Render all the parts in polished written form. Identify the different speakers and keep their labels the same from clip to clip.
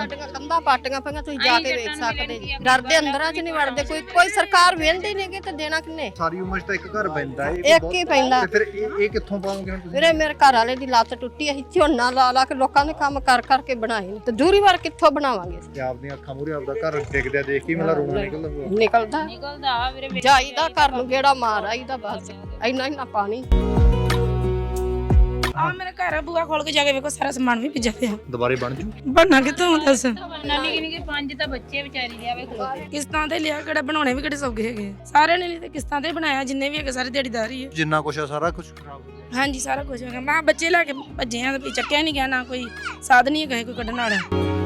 Speaker 1: ਸਾਡੀਆਂ ਕੰਧਾਂ ਪਾਟੀਆਂ ਪਈਆਂ, ਤੁਸੀਂ ਜਾ ਕੇ ਵੇਖ ਸਕਦੇ ਜੀ। ਡਰਦੇ ਅੰਦਰਾਂ 'ਚ ਨਹੀਂ ਵੜਦੇ, ਕੋਈ ਸਰਕਾਰ ਵੇਂਦੀ ਨਹੀਂ ਕਿ ਤੇ ਦੇਣਾ ਕਿੰਨੇ।
Speaker 2: ਸਾਰੀ ਉਮਰ 'ਚ ਤਾਂ ਇੱਕ ਘਰ ਪੈਂਦਾ
Speaker 1: ਇੱਕ ਹੀ ਪੈਂਦਾ।
Speaker 2: ਤੇ ਫਿਰ ਇਹ ਕਿੱਥੋਂ ਪਾਉਂਗੇ ਹੁਣ ਤੁਸੀਂ?
Speaker 1: ਵੀਰੇ ਮੇਰੇ ਘਰ ਵਾਲੇ ਦੀ ਲੱਤ ਟੁੱਟੀ, ਅਸੀਂ ਝੋਨਾ ਲਾ ਕੇ ਲੋਕਾਂ ਦੇ ਕੰਮ ਕਰਕੇ ਬਣਾਏ ਨੇ, ਤੇ ਦੂਰੀ ਵਾਰ ਕਿੱਥੋਂ ਬਣਾਵਾਂਗੇ?
Speaker 2: ਤੇ ਆਪਦੀਆਂ ਅੱਖਾਂ ਮੂਹਰੇ ਆਪਦਾ ਘਰ ਡਿੱਗਦਿਆ ਦੇਖ ਕੇ ਮੇਰਾ ਰੋਣਾ
Speaker 1: ਨਿਕਲਦਾ ਵੀਰੇ। ਜਾਈਦਾ ਘਰ ਨੂੰ ਗੇੜਾ ਮਾਰ ਆਈਦਾ, ਬਸ ਇੰਨਾ ਪਾਣੀ।
Speaker 3: ਆ ਮੇਰਾ ਘਰ ਆ, ਬੂਆ ਖੋਲ ਕੇ ਜਾ ਕੇ ਵੇਖੋ, ਸਾਰਾ ਸਮਾਨ ਵੀ ਭਿੱਜਾ ਪਿਆ।
Speaker 2: ਦੁਬਾਰੇ ਬਣ ਜੂ
Speaker 3: ਬਣਨਾ ਕਿੱਥੋਂ ਦੱਸ?
Speaker 4: ਨਾਨੀ ਕਿੰਨੀ ਕਿ 5 ਤਾਂ ਬੱਚੇ ਵਿਚਾਰੀ ਲਿਆਵੇ ਖਲੋਤੇ।
Speaker 3: ਕਿਸ਼ਤਾਂ ਤੇ ਲਿਆ, ਕਿਹੜਾ ਬਣਾਉਣੇ ਵੀ ਕਿਹੜੇ ਸੌਗੇ ਹੈਗੇ, ਸਾਰਿਆਂ ਨੇ ਤੇ ਕਿਸ਼ਤਾਂ ਤੇ ਬਣਾਇਆ, ਜਿੰਨੇ ਵੀ ਹੈਗੇ ਸਾਰੇ ਦਿਹਾੜੀਦਾਰ ਹੀ ਆ।
Speaker 2: ਜਿੰਨਾ ਕੁਛ ਆ ਸਾਰਾ ਕੁਝ ਖਰਾਬ ਹੋ ਗਿਆ।
Speaker 3: ਹਾਂਜੀ ਸਾਰਾ ਕੁਝ ਹੈਗਾ। ਮੈਂ ਬੱਚੇ ਲੈ ਕੇ ਭੱਜੇ ਆ ਤੇ ਚੱਕਿਆ ਨਹੀਂ ਗਿਆ, ਨਾ ਕੋਈ ਸਾਧਨ ਹੀ ਹੈਗਾ ਕੋਈ ਕੱਢਣ ਵਾਲਾ।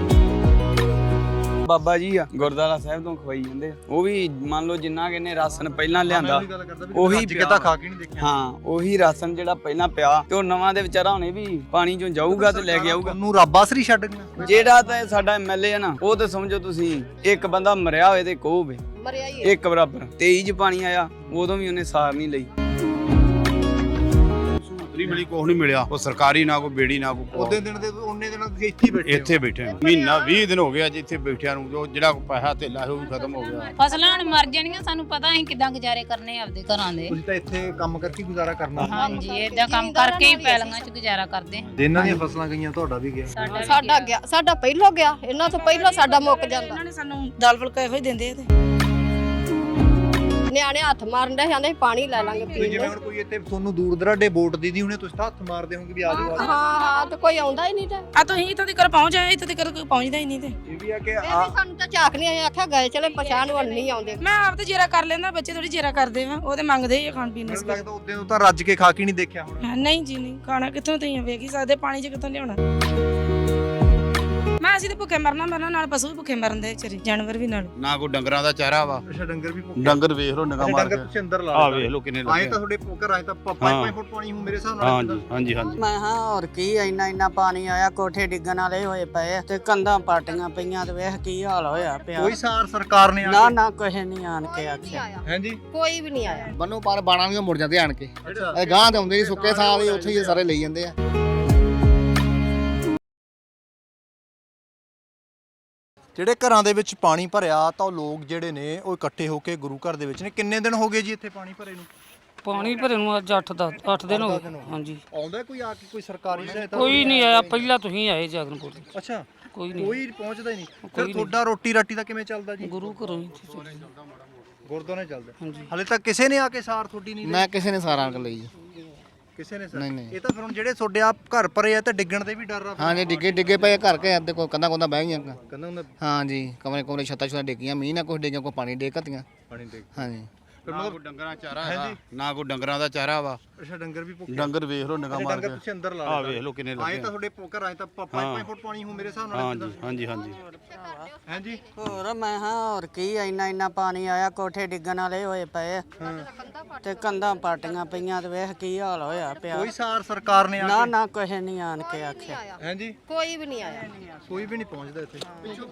Speaker 5: ਬਾਬਾ ਜੀ ਆ ਗੁਰਦੁਆਰਾ ਸਾਹਿਬ ਤੋਂ ਖਵਾਈ ਜਾਂਦੇ ਆ। ਉਹ ਵੀ ਮੰਨ ਲਓ ਜਿੰਨਾ ਕਿਨੇ ਰਾਸ਼ਨ ਪਹਿਲਾਂ ਲਿਆਂਦਾ ਉਹੀ
Speaker 2: ਕਿਤਾ ਖਾ ਕੇ ਨਹੀਂ ਦੇਖਿਆ।
Speaker 5: ਹਾਂ ਉਹੀ ਰਾਸ਼ਨ ਜਿਹੜਾ ਪਹਿਲਾਂ ਪਿਆ ਤੇ ਉਹ ਨਵਾਂ ਦੇ ਵਿਚਾਰਾ ਹੁਣੇ ਵੀ ਪਾਣੀ ਚੋਂ ਜਾਊਗਾ ਤੇ ਲੈ ਕੇ ਆਊਗਾ।
Speaker 2: ਉਹਨੂੰ ਰੱਬ ਆਸਰੀ ਛੱਡ ਗਿਆ।
Speaker 5: ਜਿਹੜਾ ਤਾਂ ਸਾਡਾ ਐਮਐਲਏ ਆ ਨਾ, ਉਹ ਤਾਂ ਸਮਝੋ ਤੁਸੀਂ ਇੱਕ ਬੰਦਾ ਮਰਿਆ ਹੋਵੇ ਤੇ ਕੋਹ ਹੋਵੇ,
Speaker 1: ਮਰਿਆ ਹੀ
Speaker 5: ਇੱਕ ਬਰਾਬਰ। 23 ਚ ਪਾਣੀ ਆਇਆ, ਉਦੋਂ ਵੀ ਉਹਨੇ ਸਾਰ ਨਹੀਂ ਲਈ।
Speaker 6: ਨਹੀਂ ਮਿਲੀ, ਕੁਛ ਨਹੀਂ ਮਿਲਿਆ। ਉਹ ਸਰਕਾਰੀ ਨਾ ਕੋਈ ਬੇੜੀ ਨਾ ਕੋਈ
Speaker 2: ਉਹਦੇ ਦਿਨ ਦੇ ਉਹਨੇ ਦਿਨਾਂ ਤੁਸੀਂ ਇੱਥੇ ਹੀ ਬੈਠੇ
Speaker 6: ਇੱਥੇ ਬੈਠੇ ਹਾਂ। ਮਹੀਨਾ 20 ਦਿਨ ਹੋ ਗਿਆ ਜੀ ਇੱਥੇ ਬੈਠਿਆਂ ਨੂੰ। ਜੋ ਜਿਹੜਾ ਪੈਸਾ ਧੇਲਾ ਉਹ ਵੀ ਖਤਮ ਹੋ ਗਿਆ।
Speaker 4: ਫਸਲਾਂ ਹੁਣ ਮਰ ਜਾਣੀਆਂ, ਸਾਨੂੰ ਪਤਾ ਅਸੀਂ ਕਿਦਾਂ ਗੁਜ਼ਾਰੇ ਕਰਨੇ ਆਪਦੇ ਘਰਾਂ ਦੇ।
Speaker 2: ਤੁਸੀਂ ਤਾਂ ਇੱਥੇ ਕੰਮ ਕਰਕੇ ਗੁਜ਼ਾਰਾ ਕਰਨਾ।
Speaker 4: ਹਾਂਜੀ ਏਦਾਂ ਕੰਮ ਕਰਕੇ ਹੀ ਪੈਲੀਆਂ 'ਚ ਗੁਜ਼ਾਰਾ ਕਰਦੇ ਹਾਂ।
Speaker 2: ਜਿਨ੍ਹਾਂ ਦੀਆਂ ਫਸਲਾਂ ਗਈਆਂ ਤੁਹਾਡਾ ਵੀ ਗਿਆ।
Speaker 1: ਸਾਡਾ ਗਿਆ, ਸਾਡਾ ਪਹਿਲੋਂ ਗਿਆ, ਇਹਨਾਂ ਤੋਂ ਪਹਿਲਾਂ ਸਾਡਾ ਮੁੱਕ ਜਾਂਦਾ।
Speaker 3: ਇਹਨਾਂ ਨੇ ਸਾਨੂੰ ਦਾਲ ਫੁਲਕਾ ਇਹੋ ਹੀ ਦਿੰਦੇ ਆ ਤੇ
Speaker 1: ਨਿਆਣੇ ਹੱਥ ਮਾਰਨ ਦੇ ਜਾਂਦੇ ਪਾਣੀ ਲੈ ਲਾਂਗੇ ਪੀਣ
Speaker 2: ਜਿਵੇਂ ਹੁਣ ਕੋਈ ਇੱਥੇ ਤੁਹਾਨੂੰ ਦੂਰ ਦਰਾਡੇ ਵੋਟ ਦੀਦੀ ਹੁਣੇ, ਤੁਸੀਂ ਤਾਂ ਹੱਥ ਮਾਰਦੇ ਹੋਗੇ ਵੀ ਆ ਜਾਓ।
Speaker 1: ਹਾਂ ਤੇ ਕੋਈ ਆਉਂਦਾ ਹੀ ਨਹੀਂ ਤੇ
Speaker 3: ਆ ਤੁਸੀਂ ਇੱਥੋਂ ਤੱਕ ਪਹੁੰਚ ਆਏ, ਇੱਥੋਂ ਤੱਕ ਕੋਈ ਪਹੁੰਚਦਾ ਹੀ ਨਹੀਂ ਤੇ
Speaker 2: ਇਹ ਵੀ ਆ ਕਿ
Speaker 1: ਇਹ ਵੀ ਸਾਨੂੰ ਤਾਂ ਝਾਕ ਨਹੀਂ ਆਇਆ, ਆਖਿਆ ਗਏ ਚਲੇ ਪਛਾਣ ਵੱਲ ਨਹੀਂ ਆਉਂਦੇ।
Speaker 3: ਮੈਂ ਆਪ ਤੇ ਜੇਰਾ ਕਰ ਲੈਂਦਾ, ਬੱਚੇ ਥੋੜੀ ਜੇਰਾ ਕਰਦੇ ਆ, ਉਹ ਤੇ ਮੰਗਦੇ ਹੀ ਆ ਖਾਣ ਪੀਣ ਨੂੰ।
Speaker 2: ਮੈਨੂੰ ਲੱਗਦਾ ਉਦੋਂ ਤੋਂ ਤਾਂ ਰੱਜ ਕੇ ਖਾ ਕੇ ਨਹੀਂ ਦੇਖਿਆ ਹੁਣ।
Speaker 3: ਨਹੀਂ ਜੀ ਨਹੀਂ, ਖਾਣਾ ਕਿੱਥੋਂ ਤੁਸੀਂ ਵੇਖ ਹੀ ਸਕਦੇ, ਪਾਣੀ 'ਚ ਕਿੱਥੋਂ ਲਿਆਉਣਾ। ਮੈਂ ਅਸੀਂ ਤੇ ਭੁੱਖੇ ਮਰਨਾ ਨਾਲ ਪਸ਼ੂ ਵੀ ਭੁੱਖੇ ਮਰਨ ਦੇ ਵਿਚਾਰੇ, ਜਾਨਵਰ ਵੀ ਨਾਲ।
Speaker 6: ਨਾ ਕੋਈ ਡੰਗਰਾਂ ਦਾ ਚਾਰਾ ਵਾ।
Speaker 2: ਅੱਛਾ ਡੰਗਰ ਵੀ ਭੁੱਖੇ।
Speaker 6: ਡੰਗਰ ਵੇਖ ਲੋ ਨਿਗਾਹ ਮਾਰ
Speaker 2: ਡੰਗਰ
Speaker 6: ਕੇ।
Speaker 2: ਤੁਸੀਂ ਅੰਦਰ ਲਾ
Speaker 6: ਆ ਵੇਖ ਲੋ ਕਿੰਨੇ
Speaker 2: ਆਏ
Speaker 6: ਲੱਗੇ।
Speaker 2: ਤਾਂ ਤੁਹਾਡੇ ਘਰ ਆਏ ਤਾਂ 5 ਫੁੱਟ ਪਾਣੀ ਹੋ ਮੇਰੇ ਹਿਸਾਬ ਨਾਲ।
Speaker 6: ਹਾਂਜੀ ਹਾਂਜੀ ਹਾਂਜੀ।
Speaker 7: ਮੈਂ ਹਾਂ ਹੋਰ ਕੀ ਇੰਨਾ ਪਾਣੀ ਆਇਆ, ਕੋਠੇ ਡਿੱਗਣ ਵਾਲੇ ਹੋਏ ਪਏ ਤੇ ਕੰਧਾਂ ਪਾਟੀਆਂ ਪਈਆਂ ਤੇ ਵੇਖ ਕੀ ਹਾਲ ਹੋਇਆ ਪਿਆ।
Speaker 2: ਕੋਈ ਸਾਰ ਸਰਕਾਰ ਨੇ
Speaker 7: ਨਾ ਕੁਛ ਨਹੀਂ ਆਣ ਕੇ ਆਖਿਆ।
Speaker 2: ਹਾਂਜੀ
Speaker 1: ਕੋਈ ਵੀ ਨਹੀਂ ਆਇਆ।
Speaker 8: ਬੰਨੋ ਪਾਰ ਬਾਣਾ ਵੀ ਮੁੜ ਜਾਂਦੇ ਆਣ ਕੇ। ਇਹ ਗਾਂ ਤੇ ਆਉਂਦੇ ਨਹੀਂ, ਸੁੱਕੇ ਸਾਲ ਹੀ ਉੱਥੇ ਹੀ ਸਾਰੇ ਲਈ ਜਾਂਦੇ ਆ।
Speaker 2: ਜਿਹੜੇ ਘਰਾਂ ਦੇ ਵਿੱਚ ਪਾਣੀ ਭਰਿਆ ਤਾਂ ਉਹ ਲੋਕ ਜਿਹੜੇ ਨੇ ਉਹ ਇਕੱਠੇ ਹੋ ਕੇ ਗੁਰੂ ਘਰ ਦੇ ਵਿੱਚ ਨੇ। ਕਿੰਨੇ ਦਿਨ ਹੋ ਗਏ ਜੀ ਇੱਥੇ ਪਾਣੀ ਭਰੇ ਨੂੰ?
Speaker 9: ਪਾਣੀ ਭਰੇ ਨੂੰ ਅੱਜ 8 ਦਿਨ ਹੋ ਗਏ। ਹਾਂਜੀ
Speaker 2: ਆਉਂਦਾ ਕੋਈ ਆ ਕੇ ਕੋਈ ਸਰਕਾਰੀ ਸਹਾਇਤਾ?
Speaker 9: ਕੋਈ ਨਹੀਂ ਆਇਆ, ਪਹਿਲਾਂ ਤੁਸੀਂ ਆਏ ਜਗਨਪੁਰ।
Speaker 2: ਅੱਛਾ
Speaker 9: ਕੋਈ ਨਹੀਂ,
Speaker 2: ਕੋਈ ਪਹੁੰਚਦਾ ਹੀ ਨਹੀਂ। ਫਿਰ ਤੁਹਾਡਾ ਰੋਟੀ ਰਾਟੀ ਦਾ ਕਿਵੇਂ ਚੱਲਦਾ ਜੀ?
Speaker 9: ਗੁਰੂ ਘਰੋਂ ਹੀ।
Speaker 2: ਗੁਰਦੁਆਰੇ ਚੱਲਦਾ।
Speaker 9: ਹਾਂਜੀ।
Speaker 2: ਹਲੇ ਤੱਕ ਕਿਸੇ ਨੇ ਆ ਕੇ ਸਾਰ ਤੁਹਾਡੀ ਨਹੀਂ ਲਈ?
Speaker 8: ਮੈਂ ਕਿਸੇ ਨੇ ਸਾਰਾ ਅੰਕ ਲਈ।
Speaker 2: ਕਿਸੇ ਨੇ ਸਾਰ
Speaker 8: ਨਹੀਂ।
Speaker 2: ਇਹ ਤਾਂ ਫਿਰ ਹੁਣ ਜਿਹੜੇ ਤੁਹਾਡੇ ਆ ਘਰ ਭਰੇ ਆ ਤਾਂ ਡਿੱਗਣ ਦੇ ਵੀ ਡਰ ਆ।
Speaker 8: ਹਾਂਜੀ ਡਿੱਗੇ ਪਏ ਘਰ ਕੇ ਅੱਧੇ ਕੋ ਕੰਦਾ ਬਹਿ ਗਈਆਂ।
Speaker 2: ਕਹਿੰਦਾ ਹੁੰਦਾ
Speaker 8: ਹਾਂਜੀ ਕਮਰੇ ਛੱਤਾਂ ਡਿੱਗੀਆਂ, ਮੀਂਹ ਨਾ ਕੁਛ ਡਿੱਗਿਆ, ਕੋਈ ਪਾਣੀ ਡਿੱਗ ਘਤੀਆਂ।
Speaker 2: ਪਾਣੀ ਡਿੱਗ।
Speaker 8: ਹਾਂਜੀ
Speaker 6: ਨਾ ਕੋਈ ਡੰਗਰਾਂ ਚਾਰਾ ਹੈਗਾ, ਨਾ ਕੋਈ ਡੰਗਰਾਂ ਦਾ ਚਾਰਾ ਵਾ।
Speaker 2: ਅੱਛਾ ਡੰਗਰ ਵੀ ਭੁੱਖੇ।
Speaker 6: ਡੰਗਰ ਵੇਖ ਲੋ ਨਿਗਾਹ ਮਾਰ
Speaker 2: ਡੰਗਰ
Speaker 6: ਕੇ।
Speaker 2: ਤੁਸੀਂ ਅੰਦਰ ਲਾ
Speaker 6: ਆ ਵੇਖ ਲੋ ਕਿੰਨੇ
Speaker 2: ਆਏ
Speaker 6: ਲੱਗੇ।
Speaker 2: ਤਾਂ ਤੁਹਾਡੇ ਘਰ ਆਏ ਤਾਂ 5 ਫੁੱਟ ਪਾਣੀ ਹੋ ਮੇਰੇ ਹਿਸਾਬ ਨਾਲ।
Speaker 6: ਹਾਂਜੀ ਹਾਂਜੀ ਹਾਂਜੀ।
Speaker 2: ਹਾਂਜੀ
Speaker 7: ਹੋਰ ਮੈਂ ਹਾਂ ਹੋਰ ਕੀ ਇੰਨਾ ਪਾਣੀ ਆਇਆ, ਕੋਠੇ ਡਿੱਗਣ ਵਾਲੇ ਹੋਏ ਪਏ ਤੇ ਕੰਧਾਂ ਪਾਟੀਆਂ ਪਈਆਂ ਤੇ ਵੇਖ ਕੀ ਹਾਲ ਹੋਇਆ ਪਿਆ।
Speaker 2: ਕੋਈ ਸਾਰ ਸਰਕਾਰ ਨੇ
Speaker 7: ਨਾ ਕੁਛ ਨਹੀਂ ਆਣ ਕੇ ਆਖਿਆ।
Speaker 2: ਹਾਂਜੀ
Speaker 1: ਕੋਈ ਵੀ ਨਹੀਂ ਆਇਆ,
Speaker 2: ਕੋਈ ਵੀ ਨਹੀਂ ਪਹੁੰਚਦਾ ਇੱਥੇ।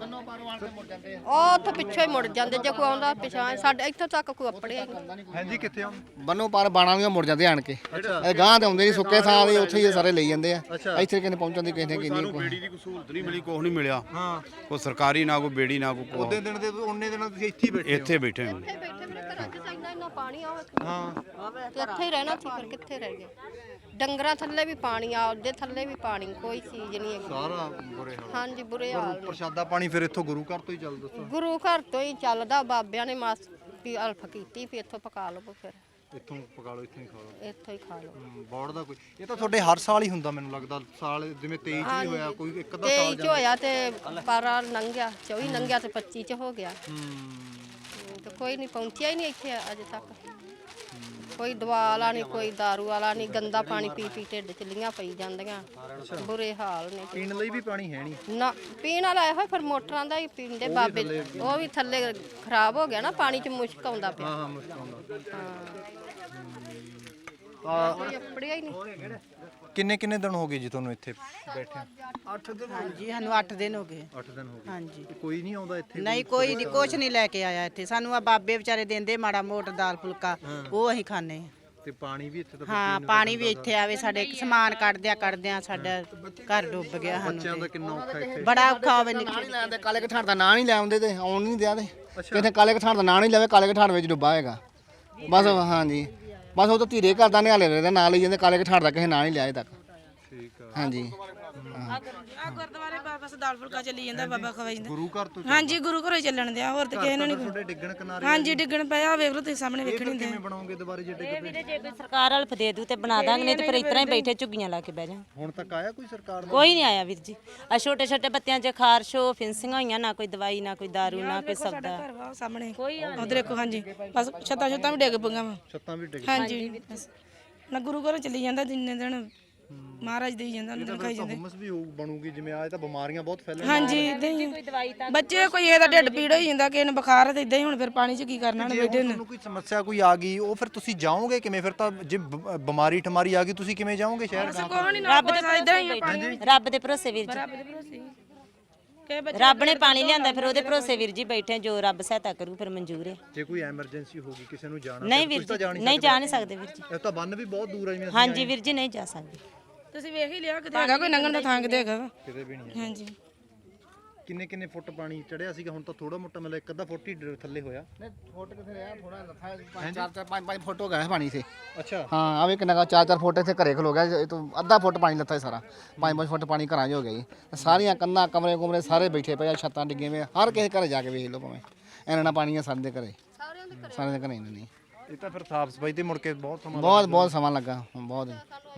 Speaker 1: ਉਹ ਤਾਂ ਪਿੱਛੇ ਹੀ ਮੁੜ ਜਾਂਦੇ, ਜੇ ਕੋਈ ਆਉਂਦਾ ਪਿਛਾਂ। ਸਾਡੇ ਇੱਥੋਂ ਤੱਕ ਕੋਈ ਅੱਪੜਿਆ ਹੀ ਨਹੀਂ।
Speaker 2: ਹਾਂਜੀ ਕਿੱਥੇ ਆ?
Speaker 8: ਬੰਨੋ ਪਾਰ ਬਾਣਾ ਵੀ ਮੁੜ ਜਾਂਦੇ ਆਣ ਕੇ। ਇਹ ਗਾਂ ਤੇ ਆਉਂਦੇ ਨਹੀਂ, ਸੁੱਕੇ ਸਾਲ ਹੀ ਉੱਥੇ ਹੀ ਸਾਰੇ ਲਈ ਜਾਂਦੇ ਆ। ਇੱਥੇ ਕਿਨੇ ਪਹੁੰਚਣ ਦੀ ਕਿਸੇ ਨੇ ਕੀ
Speaker 6: ਸਾਨੂੰ ਬੇੜੀ ਦੀ ਕੋਈ ਸਹੂਲਤ ਨਹੀਂ ਮਿਲੀ, ਕੁਛ ਨਹੀਂ ਮਿਲਿਆ।
Speaker 2: ਹਾਂ
Speaker 6: ਕੋਈ ਸਰਕਾਰੀ ਨਾ ਕੋਈ ਬੇੜੀ ਨਾ ਕੋਈ
Speaker 2: ਉਹਦੇ ਦਿਨ ਦੇ ਉਹਨੇ ਦਿਨਾਂ ਤੁਸੀਂ ਇੱਥੇ ਹੀ ਬੈਠੇ
Speaker 6: ਇੱਥੇ ਬੈਠੇ ਹਾਂ।
Speaker 1: ਬੈਠੇ ਮੇਰੇ ਘਰਾਂ 'ਚ ਇੰਨਾ ਪਾਣੀ ਆ,
Speaker 2: ਹਾਂ
Speaker 1: ਤੇ ਇੱਥੇ ਹੀ ਰਹਿਣਾ ਸੀ, ਫਿਰ ਕਿੱਥੇ ਰਹਿ ਗਏ? ਡੰਗਰਾਂ ਥੱਲੇ ਵੀ ਪਾਣੀ ਆ, ਉਹਦੇ ਥੱਲੇ ਵੀ ਪਾਣੀ, ਕੋਈ ਚੀਜ਼ ਨਹੀਂ ਹੈਗੀ।
Speaker 2: ਸਾਰਾ ਬੁਰੇ ਹਾਲ।
Speaker 1: ਹਾਂਜੀ ਬੁਰੇ ਹਾਲ ਨੇ।
Speaker 2: ਪ੍ਰਸ਼ਾਦਾ ਪਾਣੀ ਫਿਰ ਇੱਥੋਂ ਗੁਰੂ ਘਰ ਤੋਂ ਹੀ ਚੱਲਦਾ।
Speaker 1: ਗੁਰੂ ਘਰ ਤੋਂ ਹੀ ਚੱਲਦਾ, ਬਾਬਿਆਂ ਨੇ ਮਾਸ ਵੀ ਅਲਫ ਕੀਤੀ ਵੀ ਇੱਥੋਂ ਪਕਾ ਲਵੋ, ਫਿਰ
Speaker 2: ਇੱਥੋਂ ਪਕਾ ਲਓ, ਇੱਥੋਂ ਹੀ ਖਾ ਲਓ।
Speaker 1: ਇੱਥੋਂ ਹੀ ਖਾ ਲਓ।
Speaker 2: ਬੋਰਡ ਦਾ ਕੋਈ ਇਹ ਤਾਂ ਤੁਹਾਡੇ ਹਰ ਸਾਲ ਹੀ ਹੁੰਦਾ ਮੈਨੂੰ ਲੱਗਦਾ। ਸਾਲ ਜਿਵੇਂ 23 ਚ ਵੀ ਹੋਇਆ, ਕੋਈ ਇੱਕ ਅੱਧਾ ਸਾਲ
Speaker 1: 23 ਚ ਹੋਇਆ ਤੇ ਪਾਰਾ ਲੰਘਿਆ, 24 ਲੰਘਿਆ ਤੇ 25 ਚ ਹੋ ਗਿਆ। ਤੇ ਕੋਈ ਨਹੀਂ ਪਹੁੰਚਿਆ ਹੀ ਨਹੀਂ ਇੱਥੇ ਅਜੇ ਤੱਕ। ਕੋਈ ਦਵਾ ਵਾਲਾ ਨਹੀਂ, ਕੋਈ ਦਾਰੂ ਵਾਲਾ ਨਹੀਂ। ਗੰਦਾ ਪਾਣੀ ਪੀ ਢਿੱਡ ਚ ਲੀਆਂ ਪਈ ਜਾਂਦੀਆਂ, ਬੁਰੇ ਹਾਲ ਨੇ।
Speaker 2: ਪੀਣ ਲਈ ਵੀ ਪਾਣੀ ਹੈ ਨਹੀਂ
Speaker 1: ਨਾ ਪੀਣ ਵਾਲਾ ਇਹੋ ਫਿਰ ਮੋਟਰਾਂ ਦਾ ਹੀ ਪੀਂਦੇ ਬਾਬੇ। ਉਹ ਵੀ ਥੱਲੇ ਖਰਾਬ ਹੋ ਗਿਆ ਨਾ, ਪਾਣੀ ਚ ਮੁਸ਼ਕ ਆਉਂਦਾ ਪਿਆ।
Speaker 2: ਹਾਂ ਮੁਸ਼ਕਲ ਹੁੰਦਾ।
Speaker 1: ਕੋਈ ਅੱਪੜਿਆ ਹੀ ਨਹੀਂ।
Speaker 2: ਕਿੰਨੇ ਦਿਨ ਹੋ ਗਏ ਜੀ ਤੁਹਾਨੂੰ ਇੱਥੇ ਬੈਠੇ?
Speaker 7: 8 ਦਿਨ ਹਾਂਜੀ, ਸਾਨੂੰ 8 ਦਿਨ ਹੋ ਗਏ।
Speaker 2: 8 ਦਿਨ ਹੋ ਗਏ।
Speaker 7: ਹਾਂਜੀ
Speaker 2: ਕੋਈ ਨਹੀਂ ਆਉਂਦਾ ਇੱਥੇ?
Speaker 7: ਨਹੀਂ ਕੋਈ ਨਹੀਂ, ਕੁਛ ਨਹੀਂ ਲੈ ਕੇ ਆਇਆ ਇੱਥੇ। ਸਾਨੂੰ ਆ ਬਾਬੇ ਵਿਚਾਰੇ ਦਿੰਦੇ ਮਾੜਾ ਮੋਟ ਦਾਲ ਫੁਲਕਾ, ਉਹ ਅਸੀਂ ਖਾਣੇ।
Speaker 2: ਤੇ ਪਾਣੀ ਵੀ ਇੱਥੇ ਤਾਂ
Speaker 7: ਹਾਂ ਪਾਣੀ ਵੀ ਇੱਥੇ ਆਵੇ ਸਾਡੇ ਸਮਾਨ ਕੱਢਦਿਆਂ ਸਾਡਾ ਘਰ ਡੁੱਬ ਗਿਆ
Speaker 2: ਬੱਚਿਆਂ ਦਾ ਕਿੰਨਾ ਔਖਾ ਇੱਥੇ
Speaker 7: ਬੜਾ ਔਖਾ ਹੋਵੇ
Speaker 8: ਨਾਂ ਨਹੀਂ ਲੈਂਦੇ ਕਾਲੇ ਕਠਾੜ ਦਾ ਨਾਂ ਨਹੀਂ ਲੈ ਆਉਂਦੇ ਤੇ ਆਉਣ ਨਹੀਂ ਦਿਆਦੇ ਕਿਤੇ ਕਾਲੇ ਕਠਾੜ ਦਾ ਨਾਂ ਨਹੀਂ ਲੈਵੇ ਕਾਲੇ ਕਠਾੜ ਵਿੱਚ ਡੁੱਬਾ ਹੈਗਾ ਬਸ ਹਾਂਜੀ ਬਸ ਉਹ ਤਾਂ ਧੀਰੇ ਕਰਦਾ ਨਿਹਾਲੇ ਰਹਿੰਦੇ ਨਾਂ ਲਈ ਜਾਂਦੇ ਕਾਲੇ ਕਠਾੜ ਦਾ ਕਿਸੇ ਨਾਂ ਨਹੀਂ ਲਿਆ ਅਜੇ ਤੱਕ
Speaker 2: ਠੀਕ ਆ
Speaker 8: ਹਾਂਜੀ
Speaker 3: ਆ ਗੁਰਦੁਆਰੇ ਬਸ ਦਾਲ ਫੁਲਕਾ ਚੱਲੀ ਜਾਂਦਾ ਬਾਬਾ ਖਵਾਈ ਜਾਂਦਾ
Speaker 2: ਗੁਰੂ ਘਰ ਤੋਂ
Speaker 3: ਹਾਂਜੀ ਗੁਰੂ ਘਰੋਂ ਹੀ ਚੱਲਣ ਦਿਆ ਹੋਰ ਤੇ ਕਿਸੇ ਨੂੰ ਨਹੀਂ
Speaker 2: ਤੁਹਾਡੇ ਡਿੱਗਣ ਕਿਨਾਰੇ
Speaker 3: ਹਾਂਜੀ ਡਿੱਗਣ ਪਿਆ ਵੇਖ ਲਓ ਤੁਸੀਂ ਸਾਹਮਣੇ ਵੇਖਣ ਹੀ
Speaker 2: ਕਿਵੇਂ ਬਣਾਓਗੇ ਦੁਬਾਰੇ ਜੇ ਡਿੱਗ ਪਏ
Speaker 10: ਜੇ ਕੋਈ ਸਰਕਾਰ ਹਲਫ ਦੇ ਦੂ ਤੇ ਬਣਾ ਦਾਂਗੇ ਨਹੀਂ ਤੇ ਫਿਰ ਇਤਰਾ ਹੀ ਬੈਠੇ ਝੁੱਗੀਆਂ ਲਾ ਕੇ ਬਹਿ ਜਾ
Speaker 2: ਹੁਣ ਤੱਕ ਆਇਆ ਕੋਈ ਸਰਕਾਰ ਦਾ
Speaker 10: ਕੋਈ ਨਹੀਂ ਆਇਆ ਵੀਰ ਜੀ ਆ ਛੋਟੇ ਛੋਟੇ ਬੱਤਿਆਂ 'ਚ ਖਾਰਸ਼ੋ ਫਿੰਸਿੰਗਾਂ ਹੋਈਆਂ ਨਾ ਕੋਈ ਦਵਾਈ ਨਾ ਕੋਈ ਦਾਰੂ ਨਾ ਕੋਈ ਸਬਦਾ
Speaker 3: ਘਰ ਵਾ ਉਹ ਸਾਹਮਣੇ ਉਧਰ ਦੇਖੋ ਹਾਂਜੀ ਬਸ ਛੱਤਾਂ ਵੀ ਡਿੱਗ ਪਈਆਂ ਵਾ
Speaker 2: ਛੱਤਾਂ ਵੀ ਡਿੱਗ
Speaker 3: ਹਾਂਜੀ ਬਸ ਨਾ ਗੁਰੂ ਘਰੋਂ ਚੱਲੀ ਜਾਂਦਾ ਜਿੰਨੇ ਦਿਨ ਮਹਾਰਾਜ ਦੇਈ ਜਾਂਦਾ ਉਹਨਾਂ ਦਿਨ ਖਾਈ ਜਾਂਦੇ
Speaker 2: ਹੁਮਸ ਵੀ ਹੋਊ ਬਣੂਗੀ ਜਿਵੇਂ ਆਏ ਤਾਂ ਬਿਮਾਰੀਆਂ ਬਹੁਤ ਫੈਲਣ
Speaker 3: ਹਾਂਜੀ ਇਦਾਂ ਹੀ ਬੱਚੇ ਕੋਈ ਇਹਦਾ ਢਿੱਡ ਪੀੜ ਹੋਈ ਜਾਂਦਾ ਕਿਸੇ ਨੂੰ ਬੁਖਾਰ ਹੈ ਤੇ ਇਦਾਂ ਹੀ ਹੁਣ ਫਿਰ ਪਾਣੀ 'ਚ ਕੀ ਕਰਨਾ ਹੁਣ ਬੈਠੇ ਨੇ
Speaker 2: ਤੁਹਾਨੂੰ ਕੋਈ ਸਮੱਸਿਆ ਕੋਈ ਆ ਗਈ ਉਹ ਫਿਰ ਤੁਸੀਂ ਜਾਓਗੇ ਕਿਵੇਂ ਫਿਰ ਤਾਂ ਜੇ ਬਿਮਾਰੀ ਠਮਾਰੀ ਆ ਗਈ ਤੁਸੀਂ ਕਿਵੇਂ ਜਾਓਗੇ ਸ਼ਹਿਰ
Speaker 3: ਕੋਈ ਨਹੀਂ ਰੱਬ ਦੇ
Speaker 10: ਇਦਾਂ ਹੀ ਰੱਬ ਦੇ ਭਰੋਸੇ ਵੀਰ ਜੀ
Speaker 3: ਰੱਬ ਦੇ ਭਰੋਸੇ ਕਿ ਬੱਚੇ
Speaker 10: ਰੱਬ ਨੇ ਪਾਣੀ ਲਿਆਂਦਾ ਫਿਰ ਉਹਦੇ ਭਰੋਸੇ ਵੀਰ ਜੀ ਬੈਠੇ ਜੋ ਰੱਬ ਸਹਾਇਤਾ ਕਰੂ ਫਿਰ ਮਨਜ਼ੂਰ ਹੈ
Speaker 2: ਜੇ ਕੋਈ ਐਮਰਜੈਂਸੀ ਹੋ ਗਈ ਕਿਸੇ ਨੂੰ ਜਾਣਾ
Speaker 10: ਨਹੀਂ ਵੀਰ ਜੀ ਨਹੀਂ ਜਾ ਨਹੀਂ ਸਕਦੇ ਵੀਰ ਜੀ
Speaker 2: ਇਹ ਤਾਂ ਬੰਨ ਵੀ ਬਹੁਤ ਦੂਰ ਆ ਜਿਵੇਂ
Speaker 10: ਹਾਂਜੀ ਵੀਰ ਜੀ ਨਹੀਂ ਜਾ ਸਕਦੇ
Speaker 3: ਤੁਸੀਂ ਵੇਖ ਹੀ ਲਿਆ ਕਿਤੇ ਹੈਗਾ ਕੋਈ ਲੰਘਣ ਦਾ ਥਾਂ ਕਿਤੇ ਹੈਗਾ ਵਾ
Speaker 2: ਕਿਤੇ ਵੀ ਨਹੀਂ
Speaker 3: ਹਾਂਜੀ
Speaker 2: ਕਿੰਨੇ ਫੁੱਟ ਪਾਣੀ ਚੜਿਆ ਸੀਗਾ ਹੁਣ ਤਾਂ ਥੋੜਾ ਮੋਟਾ ਮਤਲਬ ਇੱਕ ਅੱਧਾ ਫੁੱਟ ਹੀ ਥੱਲੇ ਹੋਇਆ
Speaker 8: ਫੁੱਟ ਕਿੱਥੇ ਰਿਹਾ ਥੋੜਾ ਲੱਥਾ 4-5 ਫੁੱਟ ਹੋ ਗਿਆ ਪਾਣੀ ਸੇ
Speaker 2: ਅੱਛਾ
Speaker 8: ਹਾਂ ਆਵੇ ਕਿੰਨਾ 4-4 ਫੁੱਟ ਇੱਥੇ ਘਰੇ ਖਲੋ ਗਿਆ ਇਹ ਤੋਂ ਅੱਧਾ ਫੁੱਟ ਪਾਣੀ ਲੱਥਾ ਸਾਰਾ 5-5 ਫੁੱਟ ਪਾਣੀ ਘਰਾਂ 'ਚ ਹੋ ਗਿਆ ਜੀ ਸਾਰੀਆਂ ਕੰਧਾਂ ਕਮਰੇ ਸਾਰੇ ਬੈਠੇ ਪਏ ਆ ਛੱਤਾਂ ਡਿੱਗੀਆਂ ਵੇ ਹਰ ਕਿਸੇ ਘਰੇ ਜਾ ਕੇ ਵੇਖ ਲਓ ਭਾਵੇਂ ਇਹਨਾਂ ਪਾਣੀ ਆ ਸਾਡੇ ਘਰੇ ਸਾਰਿਆਂ ਦੇ ਘਰੇ ਨਹੀਂ
Speaker 2: ਇਹ ਤਾਂ ਫਿਰ ਸਾਫ ਸਫਾਈ ਤੇ ਮੁੜ ਕੇ ਬਹੁਤ ਸਮਾਂ
Speaker 8: ਬਹੁਤ ਸਮਾਂ ਲੱਗਾ ਬਹੁਤ